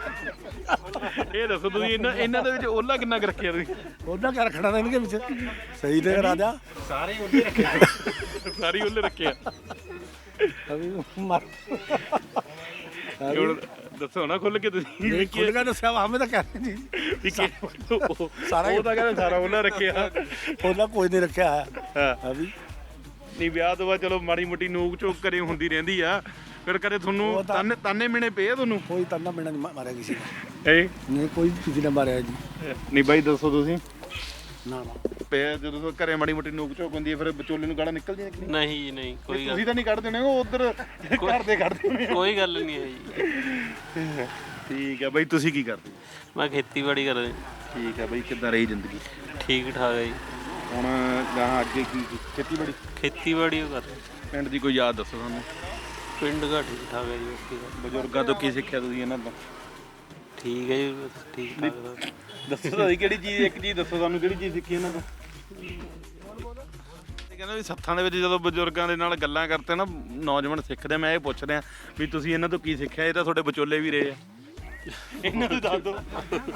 ਇਹ ਦੱਸੋ ਤੁਸੀਂ, ਇਹਨਾਂ ਦੇ ਵਿੱਚ ਓਲਾ ਕਿੰਨਾ ਕੁ ਰੱਖਿਆ ਤੁਸੀਂ? ਉਹਨਾਂ क्या रखना था इनके पीछे, सही दे राजा ਸਾਰੀ ਓਲੇ ਰੱਖਿਆ। अभी मर ਹੁਣ ਦੱਸੋ ਨਾ ਖੁੱਲ ਕੇ ਤੁਸੀਂ ਵੀ खुद का दस्या हमें तो कह रहे जी ਵੀ ਕੀ ਸਾਰਾ ਉਹ ਤਾਂ ਕਹਿੰਦਾ ਸਾਰਾ ਓਲਾ ਰੱਖਿਆ। ਉਹਨਾਂ कोई नहीं रखा है ਹਾਂ अभी। ਨਹੀਂ ਵਿਆਹ ਤੋਂ ਬਾਅਦ ਚਲੋ ਮਾੜੀ ਮੋਟੀ ਨੋਕ ਝੋਕ ਕਰੇ ਹੁੰਦੀ ਰਹਿੰਦੀ ਆ, ਫਿਰ ਕਦੇ ਤੁਹਾਨੂੰ ਤਾਨੇ ਮਿਹਣੇ ਪਏ ਆ ਤੁਹਾਨੂੰ? कोई तन्ना मिलना नहीं मारा किसी ने, ਏ नहीं कोई किसी ने मारा जी ਨਹੀਂ ਬਾਈ ਦੱਸੋ ਤੁਸੀਂ ना ना। ਪਿਆ ਜਦੋਂ ਘਰੇ ਮਾੜੀ ਮੋਟੀ ਨੋਕ ਝੋਕ ਹੁੰਦੀ ਹੈ ਫਿਰ ਵਿਚੋਲੇ ਨੂੰ ਗਾਲਾਂ ਨਿਕਲਦੀਆਂ ਕਿ ਨਹੀਂ? ਨਹੀਂ ਜੀ ਨਹੀਂ, ਕੋਈ ਗੱਲ ਤੁਸੀਂ ਤਾਂ ਨਹੀਂ ਕੱਢਦੇ ਹੋਣੇ, ਉਹ ਉਧਰ ਘਰ ਦੇ ਕੱਢਦੇ ਹੋਣੇ। ਕੋਈ ਗੱਲ ਨਹੀਂ ਹੈ ਜੀ। ਠੀਕ ਹੈ ਬਾਈ, ਤੁਸੀਂ ਕੀ ਕਰਦੇ? ਮੈਂ ਖੇਤੀਬਾੜੀ ਕਰਦਾ ਜੀ। ਠੀਕ ਹੈ ਬਾਈ, ਕਿੱਦਾਂ ਰਹੀ ਜ਼ਿੰਦਗੀ ਠੀਕ ਠਾਕ ਹੈ ਜੀ। ਹੁਣ ਗਾਹਾਂ ਅੱਗੇ ਕੀ ਖੇਤੀਬਾੜੀ? ਖੇਤੀਬਾੜੀ ਉਹ ਕਰਦੇ। ਪਿੰਡ ਦੀ ਕੋਈ ਯਾਦ ਦੱਸੋ ਸਾਨੂੰ। ਪਿੰਡ ਦਾ ਠੀਕ ਠਾਕ ਹੈ ਜੀ, ਓਕੇ ਦਾ। ਬਜ਼ੁਰਗਾਂ ਤੋਂ ਕੀ ਸਿੱਖਿਆ ਤੁਸੀਂ ਇਹਨਾਂ ਤੋਂ? ਠੀਕ ਹੈ ਜੀ, ਬਸ ਠੀਕ ਠਾਕ ਦਾ। ਦੱਸੋ ਤਾਂ ਸਹੀ, ਕਿਹੜੀ ਚੀਜ਼, ਇੱਕ ਚੀਜ਼ ਦੱਸੋ ਸਾਨੂੰ, ਕਿਹੜੀ ਚੀਜ਼ ਸਿੱਖੀ ਇਹਨਾਂ ਤੋਂ? ਕਹਿੰਦਾ ਵੀ ਸੱਥਾਂ ਦੇ ਵਿੱਚ ਜਦੋਂ ਬਜ਼ੁਰਗਾਂ ਦੇ ਨਾਲ ਗੱਲਾਂ ਕਰਦੇ ਨਾ ਨੌਜਵਾਨ ਸਿੱਖਦੇ, ਮੈਂ ਇਹ ਪੁੱਛ ਰਿਹਾ ਵੀ ਤੁਸੀਂ ਇਹਨਾਂ ਤੋਂ ਕੀ ਸਿੱਖਿਆ? ਇਹ ਤਾਂ ਤੁਹਾਡੇ ਵਿਚੋਲੇ ਵੀ ਰਹੇ ਆ, ਇਹਨਾਂ ਨੂੰ ਦੱਸ ਦਿਓ।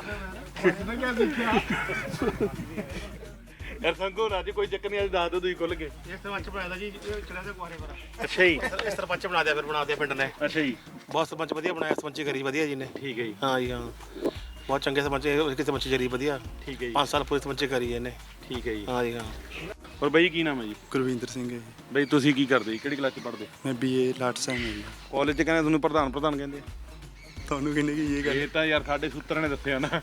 ਯਾਰ ਸੰਗੋ ਰਾਜੀ ਕੋਈ ਚੱਕਰ ਨਹੀਂ, ਅੱਜ ਦੱਸ ਦਿਓ ਤੁਸੀਂ ਖੁੱਲ ਕੇ। ਸਰਪੰਚ ਬਣਾਇਆ ਜੀ ਕਿਹੜਾ ਦੇ ਕੁਆਰੇ ਪਰ ਅੱਛਾ ਜੀ, ਇਸ ਸਰਪੰਚ ਬਣਾ ਦਿਆ, ਫਿਰ ਬਣਾ ਦਿਆ ਪਿੰਡ ਨੇ। ਅੱਛਾ ਜੀ, ਬਹੁਤ ਸਰਪੰਚ ਵਧੀਆ ਬਣਾਇਆ, ਸਰਪੰਚੀ ਕਰੀ ਵਧੀਆ ਜੀ ਨੇ। ਠੀਕ ਹੈ ਜੀ, ਹਾਂ ਜੀ ਹਾਂ, ਬਹੁਤ ਚੰਗੇ ਸਰਪੰਚ, ਇੱਕ ਸਰਪੰਚੀ ਕਰੀ ਵਧੀਆ। ਠੀਕ ਹੈ ਜੀ, 5 ਸਾਲ ਪੂਰੀ ਸਰਪੰਚੀ ਕਰੀ ਇਹਨੇ। ਠੀਕ ਹੈ ਜੀ। ਹਾਂ ਜੀ ਹਾਂ। ਹੋਰ ਬਾਈ ਕੀ ਨਾਮ ਹੈ ਜੀ? ਗੁਰਵਿੰਦਰ ਸਿੰਘ ਹੈ ਜੀ। ਬਾਈ ਤੁਸੀਂ ਕੀ ਕਰਦੇ ਜੀ, ਕਿਹੜੀ ਕਲਾਸ 'ਚ ਪੜ੍ਹਦੇ? ਮੈਂ BA ਲਾਟ ਸਾਹਿਬ ਹਾਂ ਜੀ। ਕਾਲਜ 'ਚ ਕਹਿੰਦੇ ਤੁਹਾਨੂੰ ਪ੍ਰਧਾਨ ਕਹਿੰਦੇ ਆ। ਤੁਹਾਨੂੰ ਕਿਹਨੇ ਕੀ ਇਹ ਗੱਲ? ਇਹ ਤਾਂ ਯਾਰ ਸਾਡੇ ਸੂਤਰਾਂ ਨੇ ਦੱਸਿਆ ਨਾ।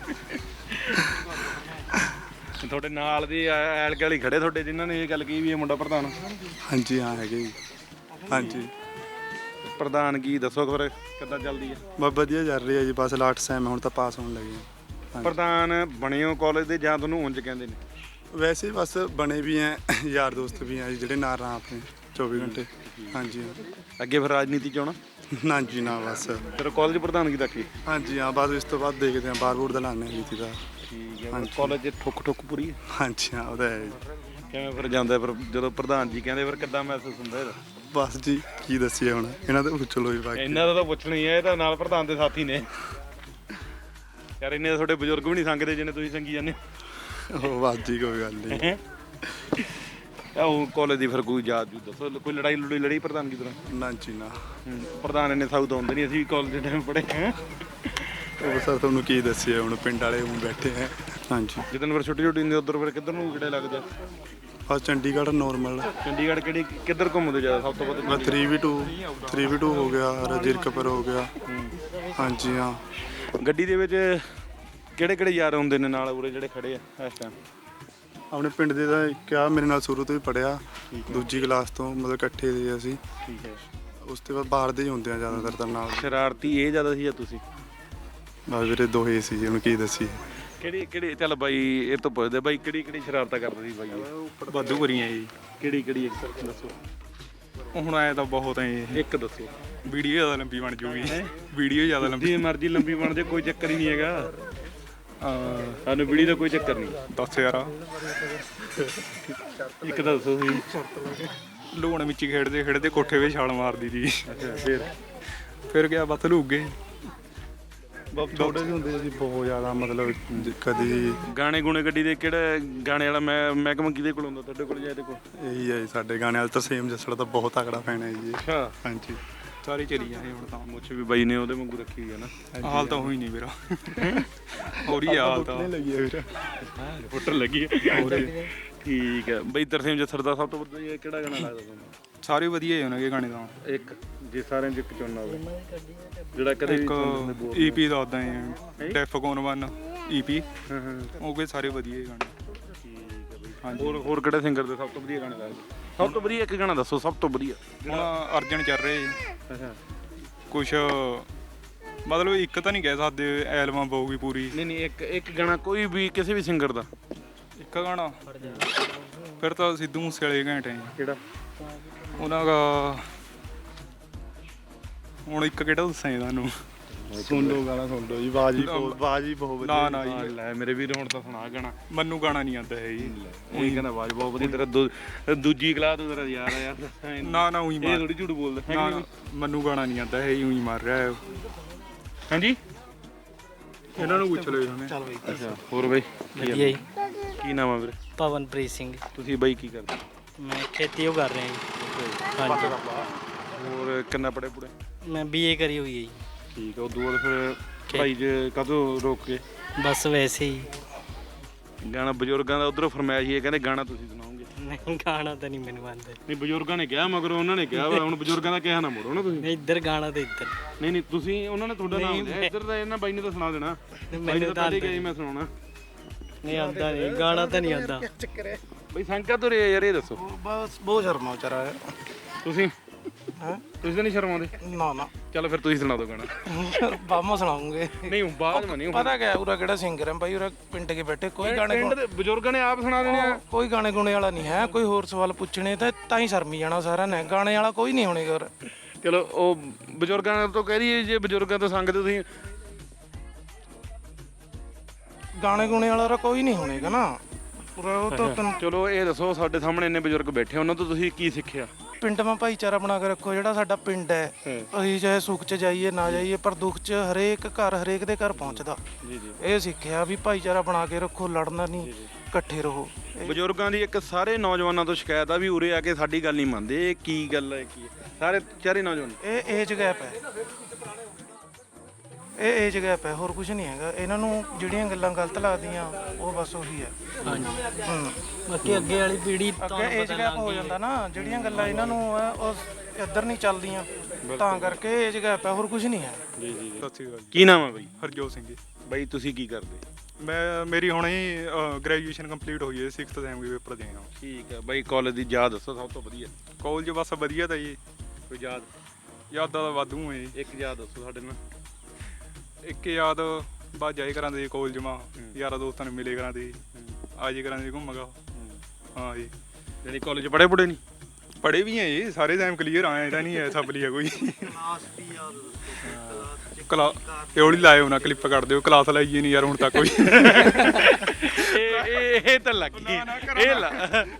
ਤੁਹਾਡੇ ਨਾਲ ਦੇ ਐਲ ਗਲੀ ਖੜੇ ਤੁਹਾਡੇ, ਜਿਨ੍ਹਾਂ ਨੇ ਇਹ ਗੱਲ ਕਹੀ ਵੀ ਇਹ ਮੁੰਡਾ ਪ੍ਰਧਾਨ। ਹਾਂਜੀ ਹਾਂ ਹੈਗੇ ਜੀ। ਹਾਂਜੀ ਪ੍ਰਧਾਨ ਕੀ ਦੱਸੋ ਫਿਰ ਕਿੱਦਾਂ ਚੱਲਦੀ ਹੈ? ਬਸ ਵਧੀਆ ਚੱਲ ਰਹੀ ਹੈ ਜੀ, ਬਸ ਲਾਟ ਸਾਹਿਬ ਹੁਣ ਤਾਂ ਪਾਸ ਹੋਣ ਲੱਗੇ ਹਾਂ। ਪ੍ਰਧਾਨ ਬਣੇ ਹੋ ਕਾਲਜ ਦੇ ਜਾਂ ਤੁਹਾਨੂੰ ਉਂਝ ਕਹਿੰਦੇ ਨੇ? ਵੈਸੇ ਬਸ ਬਣੇ ਵੀ ਹੈ, ਯਾਰ ਦੋਸਤ ਵੀ ਹੈ ਜੀ ਜਿਹੜੇ ਨਾਲ ਰਾਂ ਆਪਣੇ 24 ਘੰਟੇ। ਹਾਂਜੀ ਹਾਂ। ਅੱਗੇ ਫਿਰ ਰਾਜਨੀਤੀ 'ਚ ਆਉਣਾ? ਨਾ ਜੀ ਨਾ, ਬਸ ਫਿਰ ਕਾਲਜ ਪ੍ਰਧਾਨਗੀ ਤੱਕ ਹੀ? ਹਾਂਜੀ ਹਾਂ, ਬਸ ਇਸ ਤੋਂ ਬਾਅਦ ਦੇਖਦੇ ਹਾਂ, ਬਾਰ ਬੂਰ ਦਾ ਲਾਣੇ ਨੀਤੀ ਦਾ। ਠੀਕ ਹੈ, ਕਾਲਜ 'ਚ ਠੁੱਕ ਪੂਰੀ ਹੈ? ਹਾਂਜੀ ਹਾਂ, ਉਹਦਾ ਹੈ ਜੀ। ਕਿਵੇਂ ਫਿਰ ਜਾਂਦਾ, ਫਿਰ ਜਦੋਂ ਪ੍ਰਧਾਨ ਜੀ ਕਹਿੰਦੇ ਫਿਰ ਕਿੱਦਾਂ ਮਹਿਸੂਸ ਹੁੰਦਾ ਇਹਦਾ? ਬਸ ਜੀ ਕੀ ਦੱਸੀਏ ਹੁਣ, ਇਹਨਾਂ ਤੋਂ ਪੁੱਛ ਲਓ ਜੀ ਬਾਕੀ। ਇਹਨਾਂ ਦਾ ਤਾਂ ਪੁੱਛਣਾ ਹੀ ਹੈ, ਇਹ ਤਾਂ ਨਾਲ ਪ੍ਰਧਾਨ ਦੇ ਸਾਥੀ ਨੇ ਯਾਰ। ਇੰਨੇ ਤੁਹਾਡੇ ਬਜ਼ੁਰਗ ਵੀ ਨਹੀਂ ਸੰਗਦੇ ਜਿੰਨੇ ਤੁਸੀਂ ਸੰਗੀ ਜਾਂਦੇ ਉਹ ਬਸ ਜੀ ਕੋਈ ਗੱਲ ਨਹੀਂ। ਉਹ ਕਾਲਜ ਦੀ ਫਿਰ ਕੋਈ ਯਾਦ ਜੂ ਦੱਸੋ, ਕੋਈ ਲੜਾਈ ਪ੍ਰਧਾਨਗੀ ਦੌਰਾਨ? ਨਾ ਜੀ ਨਾ। ਪ੍ਰਧਾਨ ਇੰਨੇ ਸਾਊ ਤਾਂ ਹੁੰਦੇ ਨਹੀਂ, ਅਸੀਂ ਵੀ ਕਾਲਜ ਦੇ ਟਾਈਮ ਪੜ੍ਹੇ ਹਾਂ। ਉਹ ਸਰ ਤੁਹਾਨੂੰ ਕੀ ਦੱਸੀਏ ਹੁਣ, ਪਿੰਡ ਵਾਲੇ ਹੁਣ ਬੈਠੇ ਹੈ। ਹਾਂਜੀ ਜਦੋਂ ਫਿਰ ਛੁੱਟੀ ਹੁੰਦੀ ਉਧਰ ਫਿਰ ਕਿੱਧਰ ਨੂੰ ਕਿਹੜੇ ਲੱਗਦੇ? ਬਸ ਚੰਡੀਗੜ੍ਹ ਨੋਰਮਲ। ਚੰਡੀਗੜ੍ਹ ਕਿਹੜੀ ਕਿੱਧਰ ਘੁੰਮਦੇ ਜ਼ਿਆਦਾ ਸਭ ਤੋਂ ਵੱਧ? ਬਸ 3v2 ਹੋ ਗਿਆ, ਰਜਿਰਕਪੁਰ ਹੋ ਗਿਆ। ਹਾਂਜੀ ਹਾਂ। ਗੱਡੀ ਦੇ ਵਿੱਚ ਕਿਹੜੇ ਯਾਰ ਹੁੰਦੇ ਨੇ ਨਾਲ ਉਰੇ ਜਿਹੜੇ ਖੜੇ ਆ ਇਸ ਟਾਈਮ? ਆਪਣੇ ਪਿੰਡ ਦੇ ਦਾ ਕਿਹਾ, ਮੇਰੇ ਨਾਲ ਸ਼ੁਰੂ ਤੋਂ ਹੀ ਪੜਿਆ, ਦੂਜੀ ਕਲਾਸ ਤੋਂ, ਮਤਲਬ ਇਕੱਠੇ ਸੀ ਅਸੀਂ। ਠੀਕ ਹੈ। ਉਸ ਤੋਂ ਬਾਅਦ ਬਾਹਰ ਦੇ ਹੀ ਹੁੰਦੇ ਆ ਜ਼ਿਆਦਾਤਰ ਤਾਂ ਨਾਲ। ਸ਼ਰਾਰਤੀ ਇਹ ਜ਼ਿਆਦਾ ਸੀ ਜਾਂ ਤੁਸੀਂ? ਬਸ ਵੀਰੇ ਦੋਹੇ ਸੀ ਜੀ, ਹੁਣ ਕੀ ਦੱਸੀਏ। ਕਿਹੜੀ ਚੱਲ ਬਾਈ ਇਹ ਤੋਂ ਪੁੱਛਦੇ ਬਾਈ, ਕਿਹੜੀ ਸ਼ਰਾਰਤਾਂ ਕਰਦੇ ਸੀ ਬਾਈ? ਵਾਧੂ ਕਰੀਆਂ ਜੀ। ਕਿਹੜੀ ਦੱਸੋ? ਹੁਣ ਆਏ ਤਾਂ ਬਹੁਤ ਐ। ਇੱਕ ਦੱਸੋ। ਵੀਡੀਓ ਜ਼ਿਆਦਾ ਲੰਬੀ ਬਣ ਜੂਗੀ ਵੀਡੀਓ ਜ਼ਿਆਦਾ ਲੰਬੀ ਜਿੰਨੀ ਮਰਜ਼ੀ ਲੰਬੀ ਬਣ ਜਾਏ ਕੋਈ ਚੱਕਰ ਹੀ ਨਹੀਂ ਹੈਗਾ ਸਾਨੂੰ ਵੀਡੀਓ ਦਾ ਕੋਈ ਚੱਕਰ ਨਹੀਂ। ਦੱਸ ਯਾਰ ਇੱਕ ਤਾਂ ਦੱਸੋ ਤੁਸੀਂ। ਲੋਣ ਵਿੱਚ ਹੀ ਖੇਡਦੇ ਖੇਡਦੇ ਕੋਠੇ 'ਤੇ ਛਾਲ ਮਾਰਦੀ ਸੀ ਅੱਛਾ ਫਿਰ ਗਿਆ ਬਸ ਲੁੱਕ ਗਏ। ਛੋਟੇ ਜਿਹੇ ਹੁੰਦੇ ਸੀ ਬਹੁਤ ਜ਼ਿਆਦਾ ਮਤਲਬ ਕਦੀ ਗਾਣੇ ਗੁਣੇ ਗੱਡੀ ਦੇ ਕਿਹੜਾ ਗਾਣੇ ਵਾਲਾ ਮਹਿਕਮਾ ਕਿਹਦੇ ਕੋਲ ਹੁੰਦਾ ਤੁਹਾਡੇ ਕੋਲ ਜਾਂ ਇਹਦੇ ਕੋਲ? ਇਹੀ ਹੈ ਜੀ ਸਾਡੇ ਗਾਣੇ ਵਾਲੇ ਤਰਸੇਮ ਜੱਸੜ ਦਾ ਬਹੁਤ ਤਕੜਾ ਫੈਨ ਹੈ ਜੀ। ਅੱਛਾ ਹਾਂਜੀ ਸਾਰੇ ਚਲੀ ਜਾਂਦੇ ਹੁਣ ਤਾਂ ਮੁੱਛ ਵੀ ਬਾਈ ਨੇ ਉਹਦੇ ਵਾਂਗੂ ਰੱਖੀ ਹੈ ਨਾ। ਹਾਲ ਤਾਂ ਹੋਈ ਨਹੀਂ ਮੇਰਾ ਹੋ ਰਹੀ ਆ ਹਾਲ ਤਾਂ ਲੱਗੀ ਹੈ ਵੀਰ ਫੁੱਟਰ ਲੱਗੀ ਹੈ। ਠੀਕ ਹੈ ਬਾਈ ਤਰਸੇਮ ਜੱਸੜ ਦਾ ਸਭ ਤੋਂ ਵਧੀਆ ਕਿਹੜਾ ਗਾਣਾ ਲੱਗਦਾ ਤੁਹਾਨੂੰ? ਸਾਰੇ ਵਧੀਆ ਹੀ ਹੋਣਗੇ ਗਾਣੇ ਤਾਂ। ਇੱਕ ਜੇ ਸਾਰਿਆਂ ਚ ਇੱਕ ਚੁਣਨਾ ਹੋਵੇ ਜਿਹੜਾ ਕਦੇ ਵੀ ਇੱਕ ਤੁਹਾਨੂੰ ਬੋਰ ਈਪੀ ਦਾ ਉਦਾਂ ਹੀ ਡੈਫਕੋਨ 1 ਈਪੀ ਹਾਂ ਹਾਂ ਉਹ ਗਏ ਸਾਰੇ ਵਧੀਆ ਹੀ ਗਾਣੇ। ਠੀਕ ਹੈ ਬਾਈ ਹੋਰ ਕਿਹੜੇ ਸਿੰਗਰ ਦੇ ਸਭ ਤੋਂ ਵਧੀਆ ਗਾਣੇ ਲੱਗਦੇ? ਸਭ ਤੋਂ ਵਧੀਆ ਇੱਕ ਗਾਣਾ ਦੱਸੋ ਸਭ ਤੋਂ ਵਧੀਆ। ਹੁਣ ਅਰਜਨ ਚੱਲ ਰਹੇ ਅੱਛਾ ਕੁਛ ਮਤਲਬ ਇੱਕ ਤਾਂ ਨਹੀਂ ਕਹਿ ਸਕਦੇ ਐਲਬਮ ਪਊਗੀ ਪੂਰੀ। ਨਹੀਂ ਇੱਕ ਗਾਣਾ ਕੋਈ ਵੀ ਕਿਸੇ ਵੀ ਸਿੰਗਰ ਦਾ। ਇੱਕ ਗਾਣਾ ਫਿਰ ਤਾਂ ਸਿੱਧੂ ਮੂਸੇ ਵਾਲੇ ਘੈਂਟ ਹੈ ਕਿਹੜਾ? ਉਹਨਾਂ ਦਾ ਹੁਣ ਇੱਕ ਕਿਹੜਾ ਦੱਸਾਂ ਜੀ ਤੁਹਾਨੂੰ? ਸੁਣ ਲਓ ਗਾਣਾ ਸੁਣ ਲਓ ਜੀ ਬਾਜੀ ਬਹੁਤ ਵਧੀਆ। ਨਾ ਨਾ ਜੀ ਲੈ ਮੇਰੇ ਵੀਰ ਹੁਣ ਤਾਂ ਸੁਣਾ ਗਾਣਾ। ਮੈਨੂੰ ਗਾਣਾ ਨਹੀਂ ਆਉਂਦਾ ਹੈ ਜੀ। ਉਹੀ ਕਹਿੰਦਾ ਆਵਾਜ਼ ਬਹੁਤ ਵਧੀਆ ਤੇਰਾ ਦੂਜੀ ਕਲਾਸ ਤੋਂ ਤੇਰਾ ਯਾਰ ਆ ਯਾਰ। ਨਾ ਨਾ ਉਹੀ ਇਹ ਮਾਰ ਥੋੜੀ ਝੂਠ ਬੋਲਦਾ ਹੈ ਨਾ ਨਾ ਮੈਨੂੰ ਗਾਣਾ ਨਹੀਂ ਆਉਂਦਾ ਹੈ ਉਹੀ ਮਾਰ ਰਿਹਾ ਹੈ। ਹਾਂਜੀ ਇਹਨਾਂ ਨੂੰ ਪੁੱਛ ਲਓ ਇਹਨੇ। ਅੱਛਾ ਹੋਰ ਬਾਈ ਵਧੀਆ ਜੀ। ਕੀ ਨਾਮ ਆ ਵੀਰੇ? ਪਵਨਪ੍ਰੀਤ ਸਿੰਘ। ਤੁਸੀਂ ਬਾਈ ਕੀ ਕਰਦੇ? ਮੈਂ ਖੇਤੀ ਉਹ ਕਰ ਰਿਹਾ ਜੀ। ਹਾਂਜੀ ਹੋਰ ਕਿੰਨਾ ਪੜੇ ਪੁੜੇ? ਮੈਂ ਬੀਏ ਕਰੀ ਹੋਈ ਹੈ ਜੀ। ਠੀਕ ਆ ਉਦੋਂ ਬਾਅਦ ਫਿਰ ਪੜ੍ਹਾਈ 'ਚ ਕਦੋਂ ਰੋਕ ਕੇ? ਬਸ ਵੈਸੇ ਹੀ। ਗਾਣਾ ਬਜ਼ੁਰਗਾਂ ਦਾ ਉਧਰੋਂ ਫਰਮਾਇਸ਼ ਹੀ ਹੈ ਕਹਿੰਦੇ ਗਾਣਾ ਤੁਸੀਂ ਸੁਣਾਓਗੇ। ਨਹੀਂ ਗਾਣਾ ਤਾਂ ਨਹੀਂ ਮੈਨੂੰ ਆਉਂਦਾ। ਨਹੀਂ ਬਜ਼ੁਰਗਾਂ ਨੇ ਕਿਹਾ ਮਗਰ ਉਹਨਾਂ ਨੇ ਕਿਹਾ ਵਾ, ਹੁਣ ਬਜ਼ੁਰਗਾਂ ਦਾ ਕਿਹਾ ਨਾ ਮੋੜੋ ਨਾ ਤੁਸੀਂ। ਨਹੀਂ ਇੱਧਰ ਗਾਣਾ ਤੇ ਇੱਧਰ। ਨਹੀਂ ਤੁਸੀਂ ਉਹਨਾਂ ਨੇ ਤੁਹਾਡਾ ਨਾਮ ਲਿਆ ਇੱਧਰ ਦਾ ਇਹਨਾਂ ਬਾਈ ਨੇ ਤਾਂ ਸੁਣਾ ਦੇਣਾ। ਮੈਨੂੰ ਤਾਂ ਪਹਿਲੇ ਗਿਆ ਮੈਂ ਸੁਣਾਉਣਾ। ਨਹੀਂ ਆਉਂਦਾ ਨਹੀਂ ਗਾਣਾ ਤਾਂ ਨਹੀਂ ਆਉਂਦਾ। ਬਈ ਸੰਕਾ ਤੋਂ ਯਾਰ ਇਹ ਦੱਸੋ। ਬਸ ਬਹੁਤ ਸ਼ਰਮਾ ਵਿਚਾਰਾ ਹੈ। ਤੁਸੀਂ ਤੁਸੀਂ ਤਾਂ ਨਹੀਂ ਸ਼ਰਮਾਉਂਦੇ? ਨਾ ਨਾ ਚਲੋ ਫਿਰ ਤੁਸੀਂ ਸੁਣਾ ਦਿਓ ਗਾਣਾ। ਬਾਮਾ ਸੁਣਾਉਂਗੇ। ਨਹੀਂ ਬਾਅਦ ਮਾ ਨਹੀਂ ਪਤਾ ਕਿਆ ਉਰਾ ਕਿਹੜਾ ਸਿੰਗਰ ਹੈ ਭਾਈ ਉਰਾ ਪਿੰਡ ਕੇ ਬੈਠੇ ਕੋਈ ਗਾਣੇ ਪਿੰਡ ਦੇ ਬਜ਼ੁਰਗਾਂ ਨੇ ਆਪ ਸੁਣਾ ਦੇਣੇ ਆ। ਕੋਈ ਗਾਣੇ ਗੁਣੇ ਵਾਲਾ ਨਹੀਂ ਹੈ। ਕੋਈ ਹੋਰ ਸਵਾਲ ਪੁੱਛਣੇ ਤਾਂ ਹੀ ਸ਼ਰਮੀ ਜਾਣਾ ਸਾਰਿਆਂ ਨੇ। ਗਾਣੇ ਵਾਲਾ ਕੋਈ ਨਹੀਂ ਹੋਣੇਗਾ ਉਰੇ। ਚਲੋ ਉਹ ਬਜ਼ੁਰਗਾਂ ਤੋਂ ਕਹਿ ਦਈਏ ਜੇ ਬਜ਼ੁਰਗਾਂ ਤੋਂ ਸੰਗਦੇ ਤੁਸੀਂ। ਗਾਣੇ ਗੁਣੇ ਵਾਲਾ ਉਰਾ ਕੋਈ ਨਹੀਂ ਹੋਣੇਗਾ ਨਾ ਉਰਾ। ਉਹ ਤਾਂ ਤੈਨੂੰ ਚਲੋ ਇਹ ਦੱਸੋ ਸਾਡੇ ਸਾਹਮਣੇ ਇੰਨੇ ਬਜ਼ੁਰਗ ਬੈਠੇ ਉਹਨਾਂ ਤੋਂ ਤੁਸੀਂ ਕੀ ਸਿੱਖਿਆ? ਪਿੰਡ ਮਾ ਭਾਈਚਾਰਾ ਬਣਾ ਕੇ ਰੱਖੋ। ਜਿਹੜਾ ਸਾਡਾ ਪਿੰਡ ਹੈ ਅਸੀਂ ਚਾਹੇ ਸੁੱਖ 'ਚ ਜਾਈਏ ਨਾ ਜਾਈਏ ਪਰ ਦੁੱਖ 'ਚ ਹਰੇਕ ਘਰ ਹਰੇਕ ਦੇ ਘਰ ਪਹੁੰਚਦਾ। ਇਹ ਸਿੱਖਿਆ ਵੀ ਭਾਈਚਾਰਾ ਬਣਾ ਕੇ ਰੱਖੋ, ਲੜਨਾ ਨਹੀਂ, ਇਕੱਠੇ ਰਹੋ। ਬਜ਼ੁਰਗਾਂ ਦੀ ਇੱਕ ਸਾਰੇ ਨੌਜਵਾਨਾਂ ਤੋਂ ਸ਼ਿਕਾਇਤ ਆ ਵੀ ਉਰੇ ਆ ਕੇ ਸਾਡੀ ਗੱਲ ਨਹੀਂ ਮੰਨਦੇ। ਇਹ ਕੀ ਗੱਲ ਹੈ? ਕੀ ਹੈ? ਸਾਰੇ ਚਾਰੇ ਨੌਜਵਾਨ ਇਹ ਏਜ ਗੈਪ ਹੈ। ਇਹ ਏਜ ਗੈਪ ਹੈ, ਹੋਰ ਕੁਝ ਨਹੀਂ ਹੈਗਾ। ਇਹਨਾਂ ਨੂੰ ਜਿਹੜੀਆਂ ਗੱਲਾਂ ਗਲਤ ਲੱਗਦੀਆਂ ਉਹ ਬਸ ਉਹੀ ਹੈ। ਬਾਕੀ ਅੱਗੇ ਵਾਲੀ ਪੀੜ੍ਹੀ ਅੱਗੇ ਏਜ ਗੈਪ ਹੋ ਜਾਂਦਾ ਨਾ। ਜਿਹੜੀਆਂ ਗੱਲਾਂ ਇਹਨਾਂ ਨੂੰ ਹੈ ਉਹ ਇੱਧਰ ਨਹੀਂ ਚੱਲਦੀਆਂ ਤਾਂ ਕਰਕੇ ਏਜ ਗੈਪ ਹੈ, ਹੋਰ ਕੁਝ ਨਹੀਂ ਹੈ। ਸਤਿ ਸ਼੍ਰੀ ਅਕਾਲ ਜੀ। ਕੀ ਨਾਮ ਹੈ ਬਾਈ? ਹਰਜੋਤ ਸਿੰਘ ਜੀ। ਬਾਈ ਤੁਸੀਂ ਕੀ ਕਰਦੇ? ਮੇਰੀ ਹੁਣੇ ਹੀ ਗ੍ਰੈਜੂਏਸ਼ਨ ਕੰਪਲੀਟ ਹੋਈ ਹੈ 6th ਸੈਮ ਦੇ ਪੇਪਰ ਦੇ ਆ। ਠੀਕ ਹੈ ਬਾਈ ਕਾਲਜ ਦੀ ਯਾਦ ਦੱਸੋ ਸਭ ਤੋਂ ਵਧੀਆ। ਕਾਲਜ ਬਸ ਵਧੀਆ ਤਾਂ ਜੀ। ਕੋਈ ਯਾਦ? ਯਾਦਾਂ ਤਾਂ ਵਾਧੂ ਹੈ ਜੀ। ਇੱਕ ਯਾਦ ਦੱਸੋ ਸਾਡੇ ਨਾਲ। ਇੱਕ ਯਾਦ ਬਾਅਦ ਜਾਏ ਕਰਾਂ ਦੇ ਕਾਲਜ ਮਾ ਯਾਰਾਂ ਦੋਸਤਾਂ ਨੂੰ ਮਿਲੇ ਕਰਾਂ ਦੇ ਆ ਜੇ ਕਰਾਂ ਦੇ ਘੁੰਮਗਾ। ਹਾਂ ਜੀ ਯਾਨੀ ਕਾਲਜ ਪੜ੍ਹੇ ਪੁੜੇ ਨਹੀਂ? ਪੜ੍ਹੇ ਵੀ ਹੈ ਜੀ ਸਾਰੇ ਟਾਈਮ ਕਲੀਅਰ ਆਇਆ ਇਹਦਾ ਨਹੀਂ ਐਸਾ ਬਲੀ ਹੈ ਕੋਈ। ਇਹ ਹੌਲੀ ਲਾਇਓ ਨਾ ਕਲਿੱਪ ਕੱਢ ਦਿਓ ਕਲਾਸ ਲਾਈਏ ਨਹੀਂ ਯਾਰ ਹੁਣ ਤੱਕ ਕੋਈ। ਇਹ ਤਾਂ ਲੱਗ ਗਈ ਇਹ ਲਾ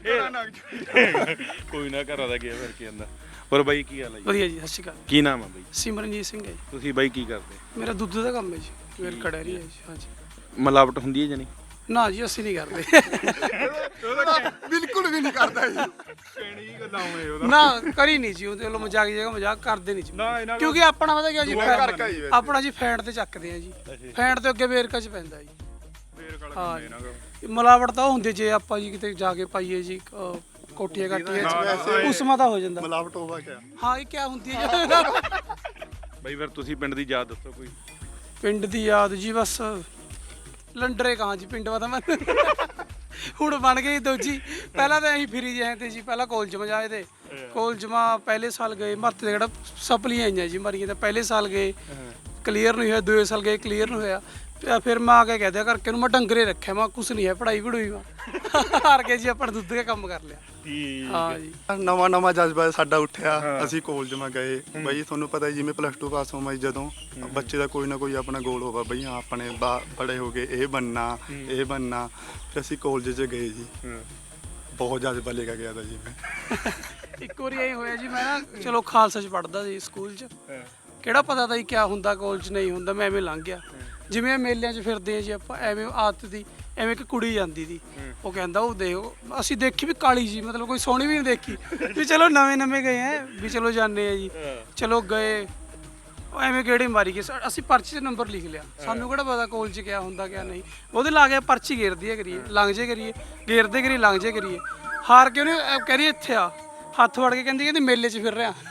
ਕੋਈ ਨਾ ਘਰਾਂ ਦਾ ਗਿਆ ਫਿਰ ਕੀ ਜਾਂਦਾ। ਹੋਰ ਬਾਈ ਕੀ ਹਾਲ ਹੈ ਜੀ? ਵਧੀਆ ਜੀ। ਸਤਿ ਸ਼੍ਰੀ ਅਕਾਲ। ਕੀ ਨਾਮ ਹੈ ਬਾਈ? ਸਿਮਰਨਜੀਤ ਸਿੰਘ ਹੈ ਜੀ। ਤੁਸੀਂ ਬਾਈ ਕੀ ਕਰਦੇ? ਮੇਰਾ ਦੁੱਧ ਦਾ ਕੰਮ ਹੈ ਜੀ। ਮੇਰਾ ਕੜੈਰੀ ਹੈ ਜੀ। ਹਾਂਜੀ। ਮਿਲਾਵਟ ਹੁੰਦੀ ਹੈ ਜਾਨੀ? ਨਾ ਜੀ ਅਸੀਂ ਨਹੀਂ ਕਰਦੇ। ਬਿਲਕੁਲ ਵੀ ਨਹੀਂ ਕਰਦਾ ਜੀ। ਕਿਹੜੀ ਗੱਲਾਂ ਹੋਏ ਉਹਦਾ ਨਾ ਕਰੀ ਨਹੀਂ ਜੀ। ਉਹਦੇ ਵੱਲੋਂ ਮਜ਼ਾਕ ਜਗਾ ਮਜ਼ਾਕ ਕਰਦੇ ਨਹੀਂ ਜੀ। ਨਾ ਇਹਨਾਂ ਕਿਉਂਕਿ ਆਪਣਾ ਪਤਾ ਕੀ ਜੀ ਕਰਕੇ ਹੀ ਵੈਸੇ। ਆਪਣਾ ਜੀ ਫੈਂਟ ਤੇ ਚੱਕਦੇ ਆ ਜੀ। ਫੈਂਟ ਤੇ ਅੱਗੇ ਵੇਰਕਾ ਚ ਪੈਂਦਾ ਜੀ। ਹਾਂ ਮਿਲਾਵਟ ਤਾਂ ਉਹ ਹੁੰਦੀ ਜੇ ਆਪਾਂ ਜੀ ਕਿਤੇ ਜਾ ਕੇ ਪਾਈਏ ਜੀ ਕੋਟੀਆਂ ਕਾਟੀਆਂ ਉਸਮਾ ਤਾਂ ਹੋ ਜਾਂਦਾ। ਮਿਲਾਵਟ ਹੋਵਾ ਕਿਆ? ਹਾਂ ਇਹ ਕਿਆ ਹੁੰਦੀ ਹੈ? ਬਾਈ ਫਿਰ ਤੁਸੀਂ ਪਿੰਡ ਦੀ ਯਾਦ ਦੱਸੋ ਕੋਈ। ਪਿੰਡ ਦੀ ਯਾਦ ਜੀ ਬਸ ਲੰਡਰੇ ਕਹਾਂ ਜੀ ਪਿੰਡ ਵਾ ਤਾਂ ਮੈਂ ਹੁਣ ਬਣ ਗਈ ਦੂਜੀ। ਪਹਿਲਾਂ ਤਾਂ ਅਸੀਂ ਫਿਰੀ ਜਾਏ ਤੇ ਜੀ ਪਹਿਲਾਂ ਕਾਲਜ ਮਾ ਜਾਏ ਤੇ ਕਾਲਜ ਮਾ ਪਹਿਲੇ ਸਾਲ ਗਏ ਮਹੱਤੇ ਜਿਹੜਾ ਸਪਲੀਆਂ ਆਈਆਂ ਜੀ ਮਰੀਆਂ ਤਾਂ ਪਹਿਲੇ ਸਾਲ ਗਏ ਕਲੀਅਰ ਨਹੀਂ ਹੋਇਆ। ਦੂਏ ਸਾਲ ਗਏ ਕਲੀਅਰ ਨਹੀਂ ਹੋਇਆ। ਤੇ ਫਿਰ ਮੈਂ ਆ ਕੇ ਕਹਿ ਦਿਆ ਕਰਕੇ ਨੂੰ ਮੈਂ ਡੰਗਰੇ ਰੱਖਿਆ, ਮੈਂ ਕੁਛ ਨਹੀਂ ਹੈ ਪੜਾਈ ਪੜੂਈ ਮੈਂ ਹਾਰ ਕੇ ਜੀ ਆਪਾਂ ਨੇ ਦੁੱਧ ਕੇ ਕੰਮ ਕਰ ਲਿਆ। ਹਾਂ ਜੀ ਨਵਾਂ ਜਜ਼ਬਾ ਸਾਡਾ ਉੱਠਿਆ, ਅਸੀਂ ਕਾਲਜ ਮਾ ਗਏ ਬਈ। ਤੁਹਾਨੂੰ ਪਤਾ ਜਿਵੇਂ +2 ਪਾਸ ਹੋਵਾਂ ਜਦੋਂ ਬੱਚੇ ਦਾ ਕੋਈ ਨਾ ਕੋਈ ਆਪਣਾ ਗੋਲ ਹੋਵਾ ਬਈ, ਹਾਂ ਆਪਣੇ ਬੜੇ ਹੋ ਗਏ ਇਹ ਬਣਨਾ ਇਹ ਬਣਨਾ। ਫਿਰ ਅਸੀਂ ਕਾਲਜ 'ਚ ਗਏ ਜੀ, ਬਹੁਤ ਜਜ਼ਬਾ ਲੈ ਕੇ ਗਿਆ ਤਾ ਜੀ ਮੈਂ। ਇੱਕ ਵਾਰੀ ਇਹ ਹੋਇਆ ਜੀ, ਮੈਂ ਨਾ ਚਲੋ ਖਾਲਸਾ 'ਚ ਪੜ੍ਹਦਾ ਸੀ ਸਕੂਲ 'ਚ, ਕਿਹੜਾ ਪਤਾ ਤਾਂ ਜੀ ਕਿਆ ਹੁੰਦਾ ਕਾਲਜ ਨਹੀਂ ਹੁੰਦਾ, ਮੈਂ ਐਵੇਂ ਲੰਘ ਗਿਆ। ਜਿਵੇਂ ਮੇਲਿਆਂ 'ਚ ਫਿਰਦੇ ਆ ਜੀ ਆਪਾਂ, ਐਵੇਂ ਆਦਤ ਦੀ ਐਵੇਂ ਇੱਕ ਕੁੜੀ ਜਾਂਦੀ ਦੀ, ਉਹ ਕਹਿੰਦਾ ਉਹ ਦੇਖੋ, ਅਸੀਂ ਦੇਖੀ ਵੀ ਕਾਲੀ ਜੀ, ਮਤਲਬ ਕੋਈ ਸੋਹਣੀ ਵੀ ਨਹੀਂ ਦੇਖੀ ਵੀ ਚਲੋ ਨਵੇਂ ਗਏ ਹੈ ਵੀ ਚਲੋ ਜਾਂਦੇ ਆ ਜੀ। ਚਲੋ ਗਏ, ਉਹ ਐਵੇਂ ਕਿਹੜੀ ਮਾਰੀ ਗਏ, ਅਸੀਂ ਪਰਚੀ 'ਤੇ ਨੰਬਰ ਲਿਖ ਲਿਆ, ਸਾਨੂੰ ਕਿਹੜਾ ਪਤਾ ਕਾਲਜ 'ਚ ਕਿਆ ਹੁੰਦਾ ਕਿਆ ਨਹੀਂ। ਉਹਦੇ ਲਾ ਕੇ ਪਰਚੀ ਘੇਰਦੀ ਹੈ ਕਰੀਏ, ਲੰਘ ਜੇ ਕਰੀਏ, ਘੇਰਦੇ ਕਰੀਏ ਲੰਘ ਜੇ ਕਰੀਏ। ਹਾਰ ਕੇ ਉਹਨੇ ਕਹਿ ਰਹੀ ਇੱਥੇ ਆ, ਹੱਥ ਫੜ ਕੇ ਕਹਿੰਦੀ ਮੇਲੇ 'ਚ ਫਿਰ ਰਿਹਾ।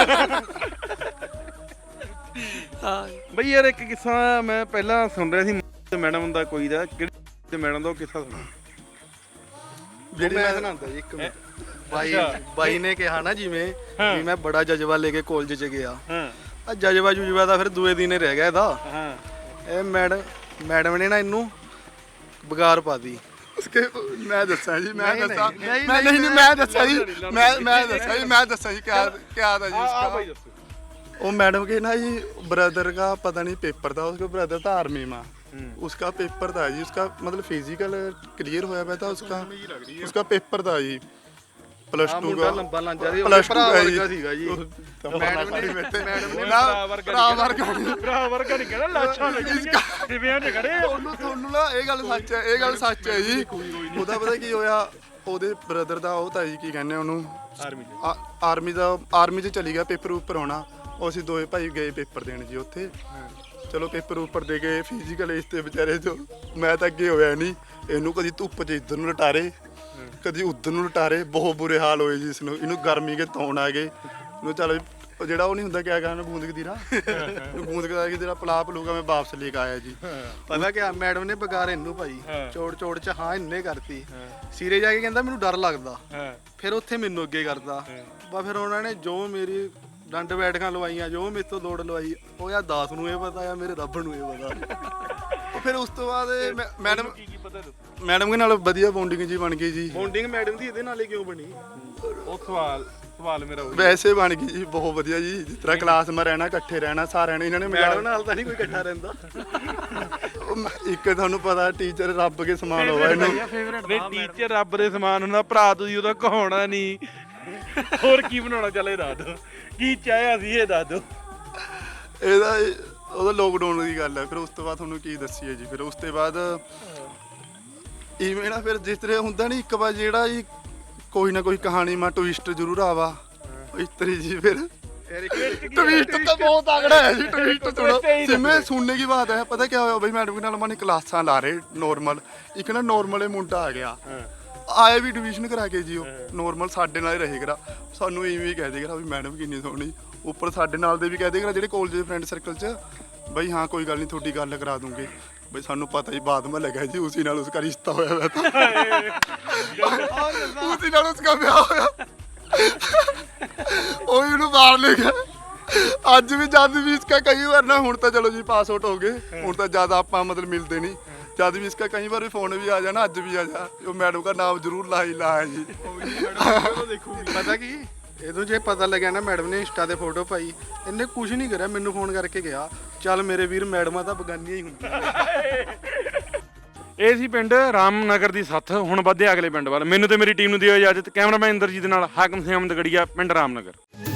ਹਾਂ ਬਈ ਯਾਰ ਇੱਕ ਕਿੱਸਾ ਮੈਂ ਪਹਿਲਾਂ ਸੁਣ ਰਿਹਾ ਸੀ ਮੈਡਮ ਦਾ ਕੋਈ ਦਾ, ਕਿਹੜੀ ਮੈਡਮ ਦਾ ਉਹ ਕਿੱਸਾ ਸੁਣਾ ਜਿਹੜੀ ਮੈਂ ਸੁਣਾਉਂਦਾ ਜੀ ਇੱਕ ਮਿੰਟ। ਬਾਈ ਨੇ ਕਿਹਾ ਨਾ ਜਿਵੇਂ ਵੀ ਮੈਂ ਬੜਾ ਜਜ਼ਬਾ ਲੈ ਕੇ ਕਾਲਜ 'ਚ ਗਿਆ, ਆ ਜਜ਼ਬਾ ਤਾਂ ਫਿਰ ਦੂਏ ਦਿਨ ਹੀ ਰਹਿ ਗਿਆ ਇਹਦਾ। ਇਹ ਮੈਡਮ ਨੇ ਨਾ ਇਹਨੂੰ ਬਗਾਰ ਪਾ ਦੀ। ਉਸਕੇ ਮੈਂ ਦੱਸਾਂ ਜੀ, ਮੈਂ ਦੱਸਾਂ ਜੀ ਕਿਆ था जी उसका। वो मैडम के ना जी ब्रदर का पता नहीं पेपर था, उसका ब्रदर था आर्मी में, उसका पेपर था जी, उसका मतलब फिजिकल क्लियर होया हुआ था, उसका पेपर था जी +2 का। +2 का जी मैडम ने ना ਬਰਾਬਰ का नहीं कहना लाछा ਜਿਵੇਂ ਨੇ ਖੜੇ ਉਹਨੂੰ। ਤੁਹਾਨੂੰ ਨਾ ਇਹ ਗੱਲ ਸੱਚ ਹੈ ਜੀ। ਉਹਦਾ ਪਤਾ ਕੀ ਹੋਇਆ, ਉਹਦੇ ਬ੍ਰਦਰ ਦਾ ਉਹ ਤਾਂ ਜੀ ਕੀ ਕਹਿੰਦੇ ਉਹਨੂੰ ਆਰਮੀ 'ਚ ਚਲੀ ਗਿਆ, ਪੇਪਰ ਉੱਪਰ ਆਉਣਾ। ਉਹ ਅਸੀਂ ਦੋਵੇਂ ਭਾਈ ਗਏ ਪੇਪਰ ਦੇਣ ਜੀ ਉੱਥੇ। ਚਲੋ ਪੇਪਰ ਉੱਪਰ ਦੇ ਕੇ ਫਿਜ਼ੀਕਲ ਇਸ ਤੇ ਵਿਚਾਰੇ ਤੋਂ ਮੈਂ ਤਾਂ ਅੱਗੇ ਹੋਇਆ ਨਹੀਂ, ਇਹਨੂੰ ਕਦੀ ਧੁੱਪ 'ਚ ਇੱਧਰ ਨੂੰ ਲਟਾਰੇ ਕਦੀ ਉੱਧਰ ਨੂੰ ਲਟਾਰੇ, ਬਹੁਤ ਬੁਰੇ ਹਾਲ ਹੋਏ ਜੀ ਇਸਨੂੰ। ਇਹਨੂੰ ਗਰਮੀ ਕੇ ਤੌਣ ਆ ਗਏ ਇਹਨੂੰ। ਚੱਲ ਜਿਹੜਾ ਉਹ ਨਹੀਂ ਹੁੰਦਾ ਕਿਆ ਕਹਿੰਦਾ ਬੂੰਦ ਕਦੀਰਾ, ਬੂੰਦ ਕਦੀਰਾ ਕਿ ਤੇਰਾ ਪਲਾ ਪਲੂਗਾ ਮੈਂ ਵਾਪਸ ਲੈ ਕੇ ਆਇਆ ਜੀ। ਪਤਾ ਕਿਆ ਮੈਡਮ ਨੇ ਬਗਾਰ ਇਹਨੂੰ ਭਾਈ ਚੋੜ 'ਚ ਹਾਂ ਇੰਨੇ ਕਰਤੀ, ਸਿਰੇ ਜਾ ਕੇ ਕਹਿੰਦਾ ਮੈਨੂੰ ਡਰ ਲੱਗਦਾ, ਫਿਰ ਉੱਥੇ ਮੈਨੂੰ ਅੱਗੇ ਕਰਦਾ ਬਾ। ਫਿਰ ਉਹਨਾਂ ਨੇ ਜੋ ਮੇਰੀ ਡੰਡ ਬੈਠਕਾਂ ਲਵਾਈਆਂ, ਜੋ ਮੇਰੇ ਤੋਂ ਲੋੜ ਲਵਾਈ, ਉਹ ਯਾਰ ਦਾਸ ਨੂੰ ਇਹ ਪਤਾ ਆ, ਮੇਰੇ ਰੱਬ ਨੂੰ ਇਹ ਪਤਾ। ਫਿਰ ਉਸ ਤੋਂ ਬਾਅਦ ਮੈਡਮ ਦੇ ਨਾਲ ਵਧੀਆ ਬੌਂਡਿੰਗ ਜੀ ਬਣ ਗਈ ਜੀ। ਬੌਂਡਿੰਗ ਮੈਡਮ ਦੀ ਇਹਦੇ ਨਾਲ ਹੀ ਕਿਉਂ ਬਣੀ? ਉਹ ਸਵਾਲ ਮੇਰਾ ਵੈਸੇ ਬਣ ਗਈ ਜੀ, ਬਹੁਤ ਵਧੀਆ ਜੀ। ਜਿਸ ਤਰ੍ਹਾਂ ਕਲਾਸ ਮੈਂ ਰਹਿਣਾ, ਇਕੱਠੇ ਰਹਿਣਾ ਸਾਰਿਆਂ ਨੇ। ਇਹਨਾਂ ਨੇ ਮੈਡਮ ਨਾਲ ਤਾਂ ਨਹੀਂ ਕੋਈ ਇਕੱਠਾ ਰਹਿੰਦਾ। ਇੱਕ ਤੁਹਾਨੂੰ ਪਤਾ ਟੀਚਰ ਰੱਬ ਕੇ ਸਮਾਨ ਹੋਵਾ ਇਹਨੂੰ। ਨਹੀਂ ਟੀਚਰ ਰੱਬ ਦੇ ਸਮਾਨ ਹੁੰਦਾ, ਭਰਾ ਤੁਸੀਂ ਉਹਦਾ ਕਹਾਉਣਾ ਨਹੀਂ। ਹੋਰ ਕੀ ਬਣਾਉਣਾ, ਚੱਲ ਇਹ ਦੱਸ ਦਿਓ ਕੀ ਚਾਹਿਆ ਸੀ, ਇਹ ਦੱਸ ਦਿਓ। ਉਹਦਾ ਲੋਕਡਾਊਨ ਦੀ ਗੱਲ ਹੈ। ਫਿਰ ਉਸ ਤੋਂ ਬਾਅਦ ਤੁਹਾਨੂੰ ਕੀ ਦੱਸੀਏ ਜੀ। ਫਿਰ ਉਸ ਤੋਂ ਬਾਅਦ ਇਵੇਂ ਨਾ ਫਿਰ ਜਿਸ ਤਰ੍ਹਾਂ ਹੁੰਦਾ ਨਹੀਂ, ਇੱਕ ਵਾਰ ਜਿਹੜਾ ਜੀ ਕੋਈ ਨਾ ਕੋਈ ਕਹਾਣੀ ਮਾ ਟਵਿਸਟ ਜ਼ਰੂਰ ਆਵਾ ਇਸ ਤਰੀ ਜੀ। ਫਿਰ ट्विस्ट तो बहुत तगड़ा है जी। ट्विस्ट थोड़ा सिमे सुनने की बात है। पता क्या होया भाई, मैडम के नाल माने क्लासां ला रहे नॉर्मल, एक ना नॉर्मल मुंडा आ गया, आया भी डिवीजन करा के जी। नॉर्मल साडे नाल रहे करा, सानू इवें ही कह दे करा भी मैडम किन्नी सोहनी, उपर साडे नाल दे भी कह दे करा जेहड़े कॉलेज दे फ्रेंड सर्कल च भाई हाँ कोई गल नहीं थोड़ी गल करा दूंगे भाई। सानू पता ही बाद में लगा जी उसी नाल उसका रिश्ता होया हुआ था, उसी नाल उसका ब्याह होया, ਉਹ ਇਹਨੂੰ ਬਾਹਰ ਲੈ ਗਿਆ। ਅੱਜ ਵੀ ਜਦ ਵੀ ਇਸਕਾ ਕਈ ਵਾਰ ਨਾ, ਹੁਣ ਤਾਂ ਚਲੋ ਜੀ ਪਾਸ ਆਊਟ ਹੋ ਗਏ, ਹੁਣ ਤਾਂ ਜ਼ਿਆਦਾ ਆਪਾਂ ਮਤਲਬ ਮਿਲਦੇ ਨਹੀਂ। ਜਦ ਵੀ ਇਸਕਾ ਕਈ ਵਾਰ ਫੋਨ ਵੀ ਆ ਜਾਣਾ, ਅੱਜ ਵੀ ਆ ਜਾ, ਉਹ ਮੈਡਮ ਦਾ ਨਾਮ ਜ਼ਰੂਰ ਲਾਇਆ ਜੀ। ਪਤਾ ਕੀ ਇਹਨੂੰ ਜੇ ਪਤਾ ਲੱਗਿਆ ਨਾ ਮੈਡਮ ਨੇ ਇੰਸਟਾ ਤੇ ਫੋਟੋ ਪਾਈ, ਇਹਨੇ ਕੁਝ ਨਹੀਂ ਕਰਿਆ, ਮੈਨੂੰ ਫੋਨ ਕਰਕੇ ਗਿਆ ਚੱਲ ਮੇਰੇ ਵੀਰ ਮੈਡਮਾਂ ਤਾਂ ਬਗਾਨੀਆਂ ਹੀ ਹੁੰਦੀਆਂ। ਇਹ ਸੀ ਪਿੰਡ ਰਾਮਨਗਰ ਦੀ ਸੱਥ। ਹੁਣ ਵਧਦੇ ਅਗਲੇ ਪਿੰਡ ਵੱਲ। ਮੈਨੂੰ ਤੇ ਮੇਰੀ ਟੀਮ ਨੂੰ ਦਿਓ ਇਜਾਜ਼ਤ। ਕੈਮਰਾਮੈਨ ਇੰਦਰਜੀਤ ਨਾਲ ਹਾਕਮ ਸਿੰਘ ਅਹਿਮਦਗੜੀਆ, ਪਿੰਡ ਰਾਮਨਗਰ।